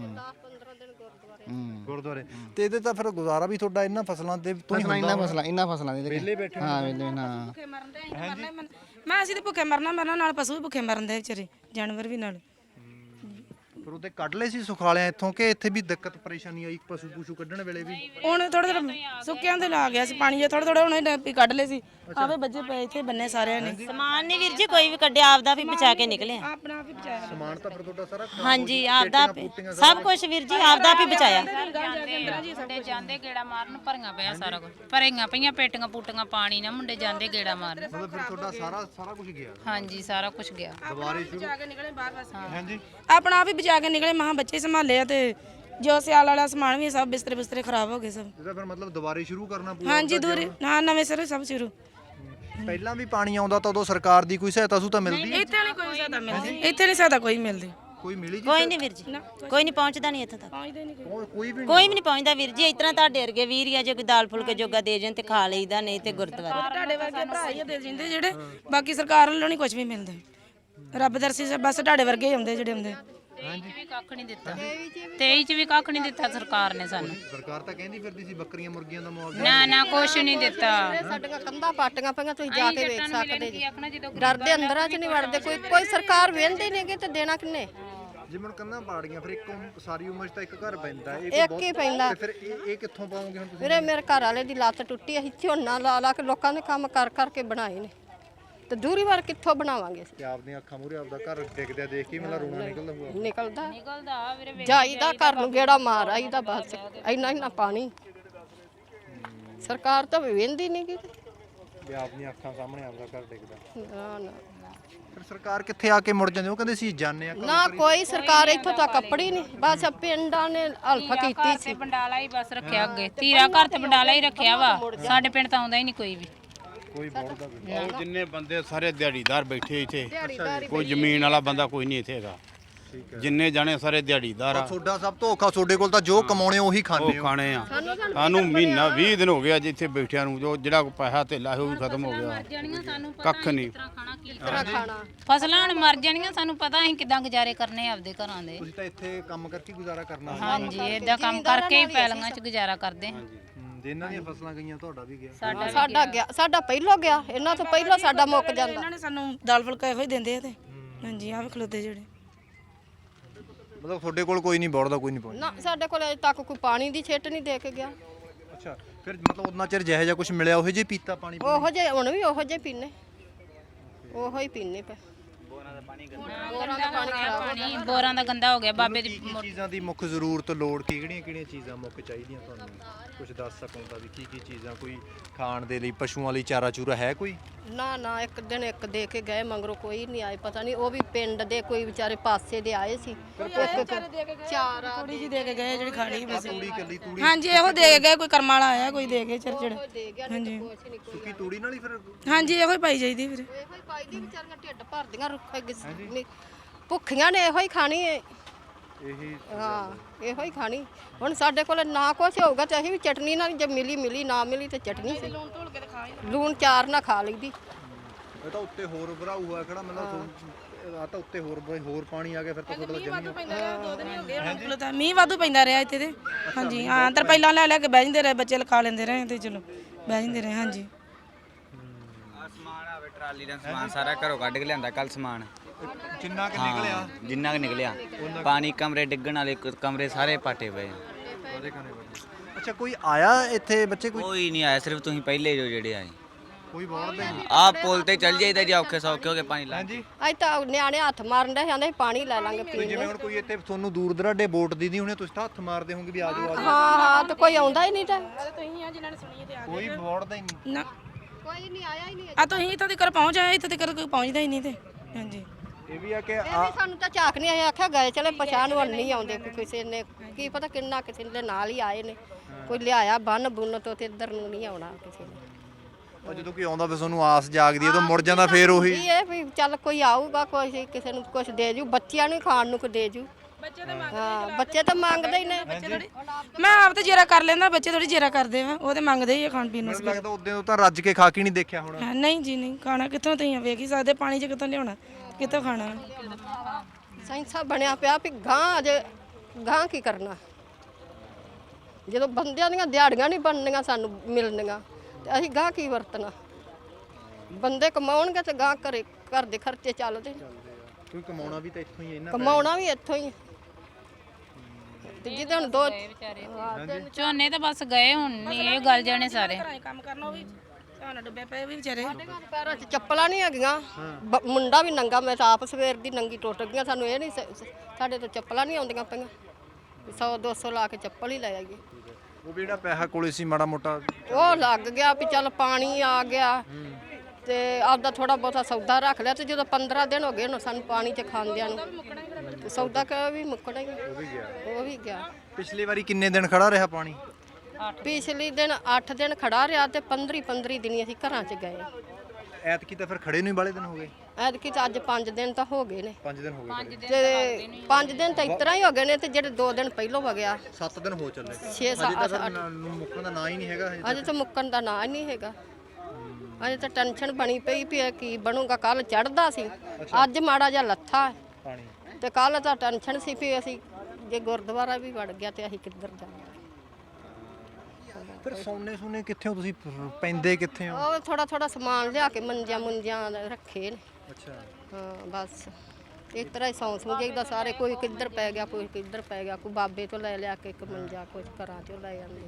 Speaker 2: ਗੁਰਦੁਆਰੇ ਤੇ ਇਹਦੇ ਤਾਂ ਫਿਰ ਗੁਜ਼ਾਰਾ ਵੀ ਤੁਹਾਡਾ ਇਹਨਾਂ ਫਸਲਾਂ ਤੇ ਤੋਂ ਹੀ ਹੁੰਦਾ
Speaker 8: ਇੰਨਾ ਫਸਲਾਂ ਦੇ
Speaker 2: ਵਿਹਲੇ ਬੈਠੇ
Speaker 8: ਹਾਂ ਵੇਲੇ ਨਾ
Speaker 3: ਭੁੱਖੇ ਮਰਨ ਦੇ ਮੈਂ ਅਸੀਂ ਤੇ ਭੁੱਖੇ ਮਰਨਾ ਨਾਲ ਪਸ਼ੂ ਵੀ ਭੁੱਖੇ ਮਰਨ ਦੇ ਵਿਚਾਰੇ ਜਾਨਵਰ ਵੀ ਨਾਲ
Speaker 2: ਫਿਰ ਉਹਦੇ ਕੱਢ ਲਏ ਸੀ ਸੁਖਾਲਿਆਂ ਇੱਥੋਂ ਕਿ ਇੱਥੇ ਵੀ ਦਿੱਕਤ ਪਰੇਸ਼ਾਨੀ ਆਈ ਪਸ਼ੂ ਪੂਸ਼ੂ ਕੱਢਣ ਵੇਲੇ ਵੀ
Speaker 3: ਹੁਣ ਥੋੜਾ ਸੁੱਕਿਆਂ ਤੇ ਲਾ ਗਿਆ ਸੀ ਪਾਣੀ ਜੇ ਥੋੜਾ ਹੁਣ ਡੱਪੀ ਕੱਢ ਲਏ ਸੀ ਆਵੇ ਬੱਜੇ ਪਏ ਇੱਥੇ ਬੰਨੇ ਸਾਰਿਆਂ ਨੇ
Speaker 10: ਸਮਾਨ ਨਹੀਂ ਵੀਰ ਜੀ ਕੋਈ ਵੀ ਕੱਢਿਆ ਆਪਦਾ ਵੀ ਬਚਾ ਕੇ ਨਿਕਲੇ ਆ
Speaker 3: ਆਪਣਾ ਆਪ ਹੀ ਬਚਾਇਆ
Speaker 2: ਸਮਾਨ ਤਾਂ ਫਿਰ ਤੁਹਾਡਾ ਸਾਰਾ
Speaker 10: ਹਾਂਜੀ ਆਪਦਾ ਸਭ ਕੁਝ ਵੀਰ ਜੀ ਆਪਦਾ ਵੀ ਬਚਾਇਆ
Speaker 4: ਮੁੰਡੇ ਜਾਂਦੇ ਗੇੜਾ ਮਾਰਨ ਭਰੀਆਂ ਪਿਆ ਸਾਰਾ ਕੁਝ ਭਰੀਆਂ ਪਈਆਂ ਪੇਟੀਆਂ ਪੂਟੀਆਂ ਪਾਣੀ ਨਾਲ ਮੁੰਡੇ ਜਾਂਦੇ ਗੇੜਾ ਮਾਰਨ
Speaker 2: ਮਤਲਬ ਫਿਰ ਤੁਹਾਡਾ ਸਾਰਾ ਕੁਝ ਗਿਆ
Speaker 4: ਹਾਂਜੀ ਸਾਰਾ ਕੁਝ ਗਿਆ
Speaker 2: ਦੁਬਾਰੇ ਸ਼ੁਰੂ
Speaker 3: ਬਚਾ ਕੇ ਨਿਕਲੇ ਬਾਹਰ ਬਸ
Speaker 2: ਹਾਂਜੀ
Speaker 3: ਆਪਣਾ ਆਪ ਹੀ ਬਚਾ ਕੇ ਨਿਕਲੇ ਮਹਾ ਬੱਚੇ ਸੰਭਾਲੇ ਆ ਤੇ ਜੋ ਸਿਆਲ ਵਾਲਾ ਸਮਾਨ ਵੀ ਸਭ ਬਿਸਤਰੇ ਖਰਾਬ ਹੋ ਗਏ ਸਭ
Speaker 2: ਇਹਦਾ ਫਿਰ ਮਤਲਬ ਦੁਬਾਰੇ ਸ਼ੁਰੂ ਕਰਨਾ ਪਊਗਾ
Speaker 3: ਹਾਂਜੀ ਦੂਰ ਹਾਂ ਨਵੇਂ ਸਿਰੇ ਸਭ ਸ਼ੁਰੂ
Speaker 2: ਪਹਿਲਾਂ ਵੀ ਪਾਣੀ ਆਉਂਦਾ ਤਾਂ ਉਦੋਂ ਸਰਕਾਰ ਦੀ ਕੋਈ ਸਹਾਇਤਾ ਸੂ ਤਾਂ ਮਿਲਦੀ
Speaker 3: ਇੱਥੇ ਨਹੀਂ ਕੋਈ ਸਹਾਇਤਾ ਮਿਲਦੀ ਇੱਥੇ ਨਹੀਂ ਸਹਾਇਤਾ ਕੋਈ ਮਿਲਦੀ
Speaker 2: ਕੋਈ ਮਿਲੀ ਜੀ
Speaker 10: ਕੋਈ ਨਹੀਂ ਵੀਰ ਜੀ ਕੋਈ ਨਹੀਂ ਪਹੁੰਚਦਾ ਨਹੀਂ ਇੱਥੇ ਤੱਕ
Speaker 3: ਪਹੁੰਚਦੇ ਨਹੀਂ
Speaker 2: ਕੋਈ ਵੀ
Speaker 10: ਕੋਈ ਵੀ ਨਹੀਂ ਪਹੁੰਚਦਾ ਵੀਰ ਜੀ ਇਤਨਾ ਤੁਹਾਡੇ ਵਰਗੇ ਵੀਰ ਆ ਜੇ ਕੋਈ ਦਾਲ ਫੁਲਕੇ ਜੋਗਾ ਦੇ ਜਾਣ ਤੇ ਖਾ ਲਈਦਾ ਨਹੀਂ ਤੇ ਗੁਰਦੁਆਰੇ
Speaker 3: ਤੁਹਾਡੇ ਵਰਗੇ ਭਰਾ ਹੀ ਦੇ ਜਿੰਦੇ ਜਿਹੜੇ ਬਾਕੀ ਸਰਕਾਰ ਵੱਲੋਂ ਨਹੀਂ ਕੁਝ ਵੀ ਮਿਲਦਾ ਰੱਬ ਦਰਸੀ ਬਸ ਤੁਹਾਡੇ ਵਰਗੇ ਹੀ ਹੁੰਦੇ ਜਿਹੜੇ ਹੁੰਦੇ
Speaker 4: ਵੀ ਕੱਖ ਨਹੀਂ ਦਿੱਤਾ 23 ਚ ਵੀ ਕੱਖ ਨਹੀਂ ਦਿੱਤਾ ਸਰਕਾਰ ਨੇ ਸਾਨੂੰ
Speaker 2: ਸਰਕਾਰ ਤਾਂ ਕਹਿੰਦੀ ਫਿਰਦੀ ਸੀ ਬੱਕਰੀਆਂ ਮੁਰਗੀਆਂ ਦਾ ਮੁਆਵਜ਼ਾ
Speaker 4: ਨਾ ਕੁਛ ਨਹੀਂ ਦਿੱਤਾ
Speaker 1: ਸਾਡੀਆਂ ਕੰਧਾਂ ਪਾਟੀਆਂ ਪਈਆਂ ਤੁਸੀਂ ਜਾ ਕੇ ਵੇਖ ਸਕਦੇ ਜੀ ਡਰਦੇ ਅੰਦਰਾਂ 'ਚ ਨਹੀਂ ਵੜਦੇ ਕੋਈ ਸਰਕਾਰ ਵੇਂਦੀ ਨਹੀਂਗੀ ਤੇ ਦੇਣਾ ਕਿੰਨੇ
Speaker 2: ਜਿਵੇਂ ਕੰਨਾਂ ਪਾੜੀਆਂ ਫਿਰ ਇੱਕ ਸਾਰੀ ਉਮਰ 'ਚ ਤਾਂ ਇੱਕ ਘਰ ਪੈਂਦਾ
Speaker 1: ਇੱਕ ਹੀ ਪੈਂਦਾ
Speaker 2: ਫਿਰ ਇਹ ਕਿੱਥੋਂ ਪਾਉਂਗੇ ਹੁਣ ਤੁਸੀਂ
Speaker 1: ਵੀਰੇ ਮੇਰੇ ਘਰ ਵਾਲੇ ਦੀ ਲੱਤ ਟੁੱਟੀ ਅਸੀਂ ਝੋਨਾ ਲਾ ਕੇ ਲੋਕਾਂ ਦੇ ਕੰਮ ਕਰਕੇ ਬਣਾਏ ਨੇ ਤੇ ਦੂਰੀ ਵਾਰ ਕਿੱਥੋਂ ਬਣਾਵਾਂਗੇ
Speaker 2: ਕਿ ਆਪਦੀਆਂ ਅੱਖਾਂ ਮੂਹਰੇ ਆਪਦਾ ਘਰ ਡਿੱਗਦਿਆ ਦੇਖ ਕੇ ਮੇਰਾ ਰੋਣਾ ਨਿਕਲਦਾ ਹੋਊਗਾ
Speaker 1: ਨਿਕਲਦਾ ਵੀਰੇ ਜਾਈਦਾ ਘਰ ਨੂੰ ਗੇੜਾ ਮਾਰ ਆਈਦਾ ਬਸ ਇੰਨਾ ਪਾਣੀ ਸਰਕਾਰ ਤਾਂ ਵੇਂਦੀ ਨਹੀਂ ਗੀ
Speaker 2: ਵੀ ਆਪਦੀਆਂ ਅੱਖਾਂ ਸਾਹਮਣੇ ਆਪਦਾ ਘਰ ਡਿੱਗਦਾ
Speaker 1: ਨਾ
Speaker 2: ਫਿਰ ਸਰਕਾਰ ਕਿੱਥੇ ਆ ਕੇ ਮੁੜ ਜਾਂਦੇ ਉਹ ਕਹਿੰਦੇ ਸੀ ਜਾਣੇ ਆ
Speaker 1: ਨਾ ਕੋਈ ਸਰਕਾਰ ਇੱਥੋਂ ਤੱਕ ਕੱਪੜੀ ਨਹੀਂ ਬਸ ਪਿੰਡਾਂ ਨੇ ਹਲਫਾ ਕੀਤੀ ਸੀ
Speaker 4: ਬੰਡਾਲਾ ਹੀ ਬਸ ਰੱਖਿਆ ਅੱਗੇ ਧੀਰਾ ਘਰ ਤੇ ਬੰਡਾਲਾ ਹੀ ਰੱਖਿਆ ਵਾ ਸਾਡੇ ਪਿੰਡ ਤਾਂ ਆਉਂਦਾ ਹੀ ਨਹੀਂ ਕੋਈ ਵੀ
Speaker 2: ਕੋਈ ਬੋਲਦਾ ਵੀ
Speaker 6: ਉਹ ਜਿੰਨੇ ਬੰਦੇ ਸਾਰੇ ਦਿਹਾੜੀਦਾਰ ਬੈਠੇ ਇੱਥੇ ਕੋਈ ਜ਼ਮੀਨ ਵਾਲਾ ਬੰਦਾ ਕੋਈ ਨਹੀਂ ਇੱਥੇ ਹੈਗਾ ਜਿੰਨੇ ਜਾਣੇ ਸਾਰੇ ਦਿਹਾੜੀਦਾਰ ਆ
Speaker 2: ਤੁਹਾਡਾ ਸਭ ਤੋਂ ਔਖਾ ਤੁਹਾਡੇ ਕੋਲ ਤਾਂ ਜੋ ਕਮਾਉਣੇ ਉਹੀ ਖਾਣੇ
Speaker 6: ਉਹ ਖਾਣੇ ਆ ਸਾਨੂੰ ਮਹੀਨਾ 20 ਦਿਨ ਹੋ ਗਿਆ ਜਿੱਥੇ ਬੈਠਿਆਂ ਨੂੰ ਜੋ ਜਿਹੜਾ ਪੈਸਾ ਧੇਲਾ ਉਹ ਵੀ ਖਤਮ ਹੋ ਗਿਆ ਕੱਖ ਨਹੀਂ
Speaker 4: ਫਸਲਾਂ ਹੁਣ ਮਰ ਜਾਣੀਆਂ ਸਾਨੂੰ ਪਤਾ ਅਸੀਂ ਕਿਦਾਂ ਗੁਜ਼ਾਰੇ ਕਰਨੇ ਆਪਦੇ ਘਰਾਂ ਦੇ
Speaker 2: ਤੁਸੀਂ ਤਾਂ ਇੱਥੇ ਕੰਮ ਕਰਕੇ ਗੁਜ਼ਾਰਾ ਕਰਨਾ
Speaker 4: ਹਾਂਜੀ ਏਦਾਂ ਕੰਮ ਕਰਕੇ ਹੀ ਪੈਲੀਆਂ 'ਚ ਗੁਜ਼ਾਰਾ ਕਰਦੇ ਹਾਂ
Speaker 2: ਜਿਨ੍ਹਾਂ ਦੀਆਂ ਫਸਲਾਂ ਗਈਆਂ ਤੁਹਾਡਾ ਵੀ ਗਿਆ
Speaker 1: ਸਾਡਾ ਗਿਆ ਸਾਡਾ ਪਹਿਲੋਂ ਗਿਆ ਇਹਨਾਂ ਤੋਂ ਪਹਿਲਾਂ ਸਾਡਾ ਮੁੱਕ ਜਾਂਦਾ
Speaker 3: ਇਹਨਾਂ ਨੇ ਸਾਨੂੰ ਦਾਲ ਫੁਲਕਾ ਇਹੋ ਹੀ ਦਿੰਦੇ ਆ ਤੇ ਹਾਂਜੀ ਆਹ ਵੀ ਖਲੋਤੇ ਜਿਹੜੇ
Speaker 2: ਮਤਲਬ ਤੁਹਾਡੇ ਕੋਲ ਕੋਈ ਨਹੀਂ ਬੋੜਦਾ ਕੋਈ ਨਹੀਂ ਪਹੁੰਚਦਾ
Speaker 1: ਨਾ ਸਾਡੇ ਕੋਲ ਅਜੇ ਤੱਕ ਕੋਈ ਪਾਣੀ ਦੀ ਛਿੱਟ ਨਹੀਂ ਦੇ ਕੇ ਗਿਆ
Speaker 2: ਅੱਛਾ ਫਿਰ ਮਤਲਬ ਉਹਨਾਂ ਚਿਰ ਜਿਹੋ ਜਿਹਾ ਕੁਝ ਮਿਲਿਆ ਉਹੋ ਜਿਹਾ ਪੀਤਾ ਪਾਣੀ
Speaker 1: ਉਹੋ ਜੇ ਹੁਣ ਵੀ ਉਹੋ ਜੇ ਪੀਨੇ ਉਹੋ ਹੀ ਪੀਨੇ ਪਏ
Speaker 4: ਬੋਰਾਂ ਦਾ ਗੰਦਾ ਹੋ ਗਿਆ ਬਾਬੇ ਦੀ
Speaker 2: ਕੀ ਚੀਜ਼ਾਂ ਦੀ ਮੁੱਖ ਜ਼ਰੂਰਤ ਲੋੜ ਕਿਹੜੀਆਂ ਚੀਜ਼ਾਂ ਮੁੱਖ ਚਾਹੀਦੀਆਂ ਤੁਹਾਨੂੰ ਕੁਝ ਦੱਸ ਸਕੋ ਤਾਂ ਵੀ ਕੀ ਚੀਜ਼ਾਂ ਕੋਈ ਖਾਣ ਦੇ ਲਈ ਪਸ਼ੂਆਂ ਲਈ ਚਾਰਾ ਚੂਰਾ ਹੈ ਕੋਈ
Speaker 1: ਨਾ ਇੱਕ ਦਿਨ ਇੱਕ ਦੇ ਕੇ ਗਏ, ਮਗਰੋਂ ਕੋਈ ਨਹੀਂ ਆਏ, ਪਤਾ ਨਹੀਂ ਉਹ ਵੀ ਪਿੰਡ ਦੇ ਕੋਈ ਵਿਚਾਰੇ ਪਾਸੇ ਦੇ ਆਏ ਸੀ। ਚਾਰ ਆ
Speaker 3: ਥੋੜੀ ਜੀ ਦੇ ਕੇ ਗਏ ਜਿਹੜੀ ਖਾਲੀ ਬਸ
Speaker 2: ਤੂੜੀ ਕੱਲੀ ਤੂੜੀ
Speaker 3: ਹਾਂਜੀ ਇਹੋ ਦੇ ਕੇ ਗਏ, ਕੋਈ ਕਰਮ ਵਾਲਾ ਆਇਆ ਕੋਈ ਦੇ ਕੇ ਚਿੜਚਿੜ
Speaker 1: ਦੇ ਗਿਆ
Speaker 3: ਹਾਂਜੀ
Speaker 2: ਸੁੱਕੀ ਤੂੜੀ ਨਾਲ ਹੀ ਫਿਰ
Speaker 3: ਹਾਂਜੀ ਇਹੋ ਹੀ ਪਾਈ ਜਾਈਦੀ ਫਿਰ
Speaker 1: ਇਹੋ ਹੀ ਪਾਈ ਦੀ, ਵਿਚਾਰੀਆਂ ਢਿੱਡ ਭਰਦੀਆਂ ਰੁੱਖੇ ਭੁੱਖੀਆਂ ਨੇ ਇਹੋ ਹੀ ਖਾਣੀ ਹੈ।
Speaker 2: ਇਹੀ
Speaker 1: ਹਾਂ ਇਹੋ ਹੀ ਖਾਣੀ। ਹੁਣ ਸਾਡੇ ਕੋਲ ਨਾ ਕੁਛ ਹੋਊਗਾ ਤੇ ਅਸੀਂ ਵੀ ਚਟਨੀ ਨਾਲ, ਜੇ ਮਿਲੀ ਨਾ ਮਿਲੀ ਤੇ ਚਟਨੀ ਸੀ, ਲੂਣ ਚਾਰ ਨਾ ਖਾ ਲਈਦੀ।
Speaker 2: ਇਹ ਤਾਂ ਉੱਤੇ ਹੋਰ ਭਰਾਊ ਹੋਇਆ ਖੜਾ, ਮਤਲਬ ਆ ਤਾਂ ਉੱਤੇ ਹੋਰ ਪਾਣੀ ਆ ਗਿਆ ਫਿਰ ਤਾਂ ਤੁਹਾਡਾ ਜਮੀ
Speaker 3: ਮੀਂਹ ਵਾਧੂ ਪੈਂਦਾ ਰਿਹਾ ਇੱਥੇ ਤੇ ਹਾਂਜੀ ਹਾਂ ਤਰਪਾਈਲਾਂ ਲੈ ਕੇ ਬਹਿ ਜਾਂਦੇ ਰਹੇ ਬੱਚੇ, ਲਿਖਾ ਲੈਂਦੇ ਰਹੇ ਤੇ ਚਲੋ ਬਹਿ ਜਾਂਦੇ ਰਹੇ ਹਾਂਜੀ।
Speaker 5: ਸਮਾਨ ਆਵੇ ਟਰਾਲੀ ਦਾ ਸਮਾਨ ਸਾਰਾ ਘਰੋਂ ਕੱਢ ਕੇ ਲਿਆਂਦਾ ਕੱਲ ਸਮਾਨ
Speaker 2: ਜਿੰਨਾ ਕਿ ਨਿਕਲਿਆ
Speaker 5: ਜਿੰਨਾ ਕਿ ਨਿਕਲਿਆ ਪਾਣੀ ਕਮਰੇ ਡਿੱਗਣ ਵਾਲੇ ਕਮਰੇ ਸਾਰੇ ਪਾਟੇ ਪਏ
Speaker 2: ਅੱਛਾ ਕੋਈ ਆਇਆ ਇੱਥੇ ਬੱਚੇ
Speaker 5: ਕੋਈ ਨਹੀਂ ਆਇਆ ਸਿਰਫ ਤੁਸੀਂ ਪਹਿਲੇ ਜੋ ਜਿਹੜੇ ਆਏ
Speaker 2: ਕੋਈ ਵੜਦਾ ਹੀ ਨਹੀਂ
Speaker 5: ਆਹ ਪੁਲ ਤੇ ਚੱਲ ਜਾਈਦਾ ਜੇ ਔਖੇ ਸੌਖੇ ਹੋ ਕੇ ਪਾਣੀ ਲਾ
Speaker 2: ਹਾਂਜੀ
Speaker 1: ਅੱਜ ਤਾਂ ਨਿਆਣੇ ਹੱਥ ਮਾਰਨ ਦੇ ਜਾਂਦੇ ਪਾਣੀ ਲੈ ਲਾਂਗੇ ਪੀਣ
Speaker 2: ਜਿਵੇਂ ਹੁਣ ਕੋਈ ਇੱਥੇ ਤੁਹਾਨੂੰ ਦੂਰ ਦਰਾਡੇ ਵੋਟ ਦੀਦੀ ਹੁਣੇ ਤੁਸੀਂ ਤਾਂ ਹੱਥ ਮਾਰਦੇ ਹੋਵੋਗੇ ਵੀ ਆ ਜਾਓ
Speaker 1: ਹਾਂ ਤੇ ਕੋਈ ਆਉਂਦਾ ਹੀ ਨਹੀਂ ਤਾਂ
Speaker 3: ਤੁਸੀਂ ਆ ਜਿਨ੍ਹਾਂ ਨੇ ਸੁਣੀ ਤੇ ਆ
Speaker 2: ਕੋਈ ਵੜਦਾ ਹੀ ਨਹੀਂ
Speaker 3: ਨਾ
Speaker 1: ਕੋਈ ਨਹੀਂ ਆਇਆ ਹੀ ਨਹੀਂ।
Speaker 3: ਆ ਤੁਸੀਂ ਇੱਥੋਂ ਤੱਕ ਪਹੁੰਚ ਆਏ, ਇੱਥੇ ਤੱਕ ਕੋਈ ਪਹੁੰਚਦਾ ਹੀ ਨਹੀਂ ਤੇ ਹਾਂਜੀ
Speaker 2: ਇਹ ਵੀ ਆ ਕਿ
Speaker 1: ਇਹ ਵੀ ਸਾਨੂੰ ਤਾਂ ਝਾਕ ਨਹੀਂ ਆਇਆ, ਆਖਿਆ ਗਏ ਚਲੇ ਪਛਾਣ ਵੱਲ ਨਹੀਂ ਆਉਂਦੇ, ਕਿਸੇ ਨੇ ਕੀ ਪਤਾ ਕਿੰਨਾ ਕਿਸੇ ਦੇ ਨਾਲ ਹੀ ਆਏ ਨੇ, ਕੋਈ ਲਿਆਇਆ ਬੰਨ ਬੁੰਨ ਤੋਂ ਤੇ ਇੱਧਰ ਨੂੰ ਨਹੀਂ ਆਉਣਾ ਕਿਸੇ ਨੇ।
Speaker 2: ਉਹ ਜਦੋਂ ਕੋਈ ਆਉਂਦਾ ਫਿਰ ਤੁਹਾਨੂੰ ਆਸ ਜਾਗਦੀ ਹੈ ਤਾਂ ਮੁੜ ਜਾਂਦਾ ਫੇਰ ਉਹੀ
Speaker 1: ਇਹ ਵੀ ਚੱਲ ਕੋਈ ਆਊਗਾ, ਕੋਈ ਕਿਸੇ ਨੂੰ ਕੁਝ ਦੇ ਜੂ, ਬੱਚਿਆਂ ਨੂੰ ਖਾਣ ਨੂੰ ਕੁ ਦੇ ਜੂ। ਬੱਚੇ ਤਾਂ ਮੰਗਦੇ ਹੀ ਨੇ।
Speaker 3: ਮੈਂ ਆਪ ਤੇ ਜੇਰਾ ਕਰ ਲੈਂਦਾ, ਬੱਚੇ ਥੋੜੀ ਜੇਰਾ ਕਰਦੇ ਆ, ਉਹ ਤੇ ਮੰਗਦੇ ਹੀ ਆ ਖਾਣ ਪੀਣ ਨੂੰ।
Speaker 2: ਮੈਨੂੰ ਲੱਗਦਾ ਉਦੋਂ ਤੋਂ ਤਾਂ ਰੱਜ ਕੇ ਖਾ ਕੇ ਨਹੀਂ ਦੇਖਿਆ ਹੋਣਾ।
Speaker 3: ਨਹੀਂ ਜੀ ਨਹੀਂ, ਖਾਣਾ ਕਿੱਥੋਂ ਤੁਸੀਂ ਵੇਖ ਹੀ ਸਕਦੇ, ਪਾਣੀ 'ਚ ਕਿੱਥੋਂ ਲਿਆਉਣਾ, ਕਿੱਥੋਂ ਖਾਣਾ।
Speaker 1: ਸਾਇੰਸਾ ਬਣਿਆ ਪਿਆ ਵੀ ਗਾਂ ਅਜੇ ਗਾਂ ਕੀ ਕਰਨਾ, ਜਦੋਂ ਬੰਦਿਆਂ ਦੀਆਂ ਦਿਹਾੜੀਆਂ ਨਹੀਂ ਬਣਨੀਆਂ ਸਾਨੂੰ ਮਿਲਣੀਆਂ ਤੇ ਅਸੀਂ ਗਾਂ ਕੀ ਵਰਤਣਾ। ਬੰਦੇ ਕਮਾਉਣਗੇ ਤੇ ਗਾਂ ਘਰ ਦੇ ਖਰਚੇ ਚੱਲਦੇ,
Speaker 2: ਕੋਈ ਕਮਾਉਣਾ ਵੀ ਤਾਂ ਇੱਥੋਂ ਹੀ ਇਹਨਾਂ
Speaker 1: ਕਮਾਉਣਾ ਵੀ ਇੱਥੋਂ ਹੀ। ਤੇ ਜਿਹਦੇ ਹੁਣ ਦੋ
Speaker 4: ਝੋਨੇ ਤਾਂ ਬਸ ਗਏ, ਹੁਣ ਨਹੀਂ ਇਹ ਗੱਲ ਜਾਣੇ ਸਾਰੇ।
Speaker 3: ਕੰਮ ਕਰਨਾ ਉਹ ਵੀ ਸਾਨੂੰ ਡੁੱਬੇ ਪਏ ਵੀ ਵਿਚਾਰੇ।
Speaker 1: ਪੈਰਾਂ 'ਚ ਚੱਪਲਾਂ ਨਹੀਂ ਹੈਗੀਆਂ, ਮੁੰਡਾ ਵੀ ਨੰਗਾ, ਮੈਂ ਤਾਂ ਆਪ ਸਵੇਰ ਦੀ ਨੰਗੀ ਟੁੱਟ ਗਈਆਂ। ਸਾਨੂੰ ਇਹ ਨਹੀਂ ਸਾਡੇ ਤੋਂ ਚੱਪਲਾਂ ਨਹੀਂ ਆਉਂਦੀਆਂ ਪਈਆਂ, 100-200 ਲਾ ਕੇ ਚੱਪਲ ਹੀ ਲੈ ਆਈਏ।
Speaker 2: ਉਹ ਵੀ ਜਿਹੜਾ ਪੈਸਾ ਕੋਲੇ ਸੀ ਮਾੜਾ ਮੋਟਾ
Speaker 1: ਉਹ ਲੱਗ ਗਿਆ ਵੀ ਚੱਲ ਪਾਣੀ ਆ ਗਿਆ ਤੇ ਆਪਦਾ ਥੋੜਾ ਬਹੁਤਾ ਸੌਦਾ ਰੱਖ ਲਿਆ, ਤੇ ਜਦੋਂ 15 ਦਿਨ ਹੋ ਗਏ ਹੁਣ ਸਾਨੂੰ ਪਾਣੀ 'ਚ ਖਾਂਦਿਆਂ ਨੂੰ, ਸੌਦਾ ਵੀ ਮੁੱਕਣਾ ਹੀ, ਉਹ ਵੀ ਗਿਆ।
Speaker 2: ਪਿਛਲੀ ਵਾਰੀ ਕਿੰਨੇ ਦਿਨ ਖੜਾ ਰਿਹਾ ਪਾਣੀ?
Speaker 1: ਪਿਛਲੇ ਦਿਨ 8 ਦਿਨ ਖੜਾ ਰਿਹਾ ਤੇ 15 ਦਿਨ ਅਸੀਂ ਘਰਾਂ 'ਚ ਗਏ।
Speaker 2: ਐਤਕੀ ਤਾਂ ਫਿਰ ਖੜੇ ਨੂੰ ਹੀ ਬਾਲੇ ਦਿਨ ਹੋ ਗਏ।
Speaker 1: ਐਤਕੀ ਤਾਂ ਅੱਜ 5 ਦਿਨ ਤਾਂ ਹੋ ਗਏ ਨੇ।
Speaker 2: 5 ਦਿਨ ਹੋ ਗਏ
Speaker 1: ਤੇ 5 ਦਿਨ ਤਾਂ ਇਤਰਾ ਹੀ ਹੋ ਗਏ ਨੇ, ਤੇ ਜਿਹੜੇ 2 ਦਿਨ ਪਹਿਲੋਂ ਹੋ ਗਿਆ
Speaker 2: 7 ਦਿਨ ਹੋ ਚੱਲੇ।
Speaker 1: 6-7-8
Speaker 2: ਮੁੱਕਣ ਦਾ ਨਾਂ ਹੀ ਨਹੀਂ ਹੈਗਾ
Speaker 1: ਅਜੇ ਤਾਂ ਮੁੱਕਣ ਦਾ ਨਾਂ ਹੀ ਨਹੀਂ ਹੈਗਾ। ਅਜੇ ਤਾਂ ਟੈਨਸ਼ਨ ਬਣੀ ਪਈ ਵੀ ਇਹ ਕੀ ਬਣੂਗਾ। ਕੱਲ ਚੜਦਾ ਸੀ, ਅੱਜ ਮਾੜਾ ਜਿਹਾ ਲੱਥਾ
Speaker 2: ਪਾਣੀ,
Speaker 1: ਤੇ ਕੱਲ ਤਾਂ ਟੈਨਸ਼ਨ ਸੀ ਵੀ ਅਸੀਂ ਜੇ ਗੁਰਦੁਆਰਾ ਵੀ ਵੜ ਗਿਆ ਤੇ ਅਸੀਂ ਕਿੱਧਰ ਜਾਵਾਂਗੇ।
Speaker 2: ਫਿਰ ਸੋਨੇ ਕਿੱਥੇ ਹੋ ਤੁਸੀਂ, ਪੈਂਦੇ ਕਿੱਥੇ ਹੋ?
Speaker 1: ਉਹ ਥੋੜਾ ਸਮਾਨ ਲਿਆ ਕੇ ਮੰਜਿਆਂ ਰੱਖੇ ਨੇ।
Speaker 2: ਅੱਛਾ
Speaker 1: ਹਾਂ ਬਸ ਇਸ ਤਰ੍ਹਾਂ ਹੀ ਸੌਂ ਜਾਈਦਾ ਸਾਰੇ, ਕੋਈ ਕਿੱਧਰ ਪੈ ਗਿਆ, ਕੋਈ ਕਿੱਧਰ ਪੈ ਗਿਆ, ਕੋਈ ਬਾਬੇ ਤੋਂ ਲੈ ਕੇ ਇੱਕ ਮੰਜਾ, ਕੁਝ ਘਰਾਂ ਚੋਂ ਲੈ ਜਾਂਦੇ।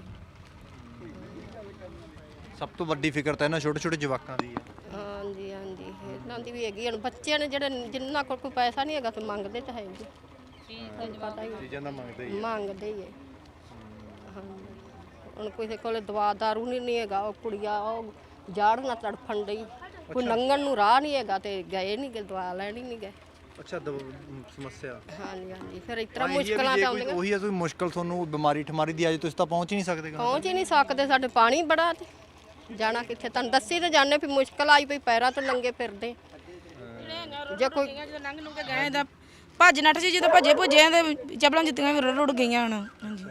Speaker 2: ਸਭ ਤੋਂ ਵੱਡੀ ਫਿਕਰ ਤਾਂ ਇਹਨਾਂ ਛੋਟੇ ਛੋਟੇ ਜਵਾਕਾਂ ਦੀ ਹੈ।
Speaker 1: ਹਾਂਜੀ ਇਹਨਾਂ ਦੀ ਵੀ ਹੈਗੀ। ਹੁਣ ਬੱਚਿਆਂ ਨੇ ਜਿਹੜੇ ਜਿੰਨਾ ਕੋਲ ਕੋਈ ਪੈਸਾ ਨਹੀਂ ਹੈਗਾ ਤੇ ਮੰਗਦੇ ਤਾਂ ਹੈ ਜੀ, ਪਤਾ ਹੀ
Speaker 2: ਚੀਜ਼ਾਂ ਦਾ ਮੰਗਦੇ
Speaker 1: ਮੰਗਦੇ ਹੀ ਹੈ। ਹਾਂਜੀ ਹੁਣ ਕਿਸੇ ਕੋਲ ਦਵਾ ਦਾਰੂ ਨਹੀਂ ਹੈਗਾ, ਉਹ ਕੁੜੀਆਂ ਉਹ ਜਾੜ ਨਾਲ ਤੜਫਣ ਡਈ, ਕੋਈ ਲੰਘਣ ਨੂੰ ਰਾਹ ਨਹੀਂ ਹੈਗਾ ਤੇ ਗਏ ਨਹੀਂ, ਦਵਾ ਲੈਣ ਹੀ ਨਹੀਂ ਗਏ।
Speaker 2: ਅੱਛਾ ਸਮੱਸਿਆ
Speaker 1: ਹਾਂਜੀ ਫਿਰ ਇਸ ਤਰ੍ਹਾਂ ਮੁਸ਼ਕਲਾਂ ਤਾਂ ਆਉਂਦੀਆਂ।
Speaker 2: ਉਹੀ ਹੈ ਕੋਈ ਮੁਸ਼ਕਲ ਤੁਹਾਨੂੰ ਬਿਮਾਰੀ ਠਮਾਰੀ ਦੀ ਅੱਜ ਤੁਸੀਂ ਤਾਂ ਪਹੁੰਚ ਹੀ ਨਹੀਂ ਸਕਦੇ।
Speaker 1: ਪਹੁੰਚ ਹੀ ਨਹੀਂ ਸਕਦੇ, ਸਾਡੇ ਪਾਣੀ ਬੜਾ ਤੇ ਜਾਣਾ ਕਿੱਥੇ। ਤੁਹਾਨੂੰ ਦੱਸੀ ਤਾਂ ਜਾਣੇ ਵੀ ਮੁਸ਼ਕਲ ਆਈ ਪਈ, ਪੈਰਾਂ ਤੋਂ ਨੰਗੇ ਫਿਰਦੇ। ਜੇ ਕੋਈ
Speaker 3: ਜਦੋਂ ਲੰਘ ਨੂੰ ਕੇ ਗਏ ਤਾਂ ਭੱਜ ਨੱਠ ਜੀ, ਜਦੋਂ ਭੱਜੇ ਭੁੱਜੇ ਤੇ ਚੱਪਲਾਂ ਜੁੱਤੀਆਂ ਵੀ ਰੁੜ ਗਈਆਂ ਹੁਣ। ਹਾਂਜੀ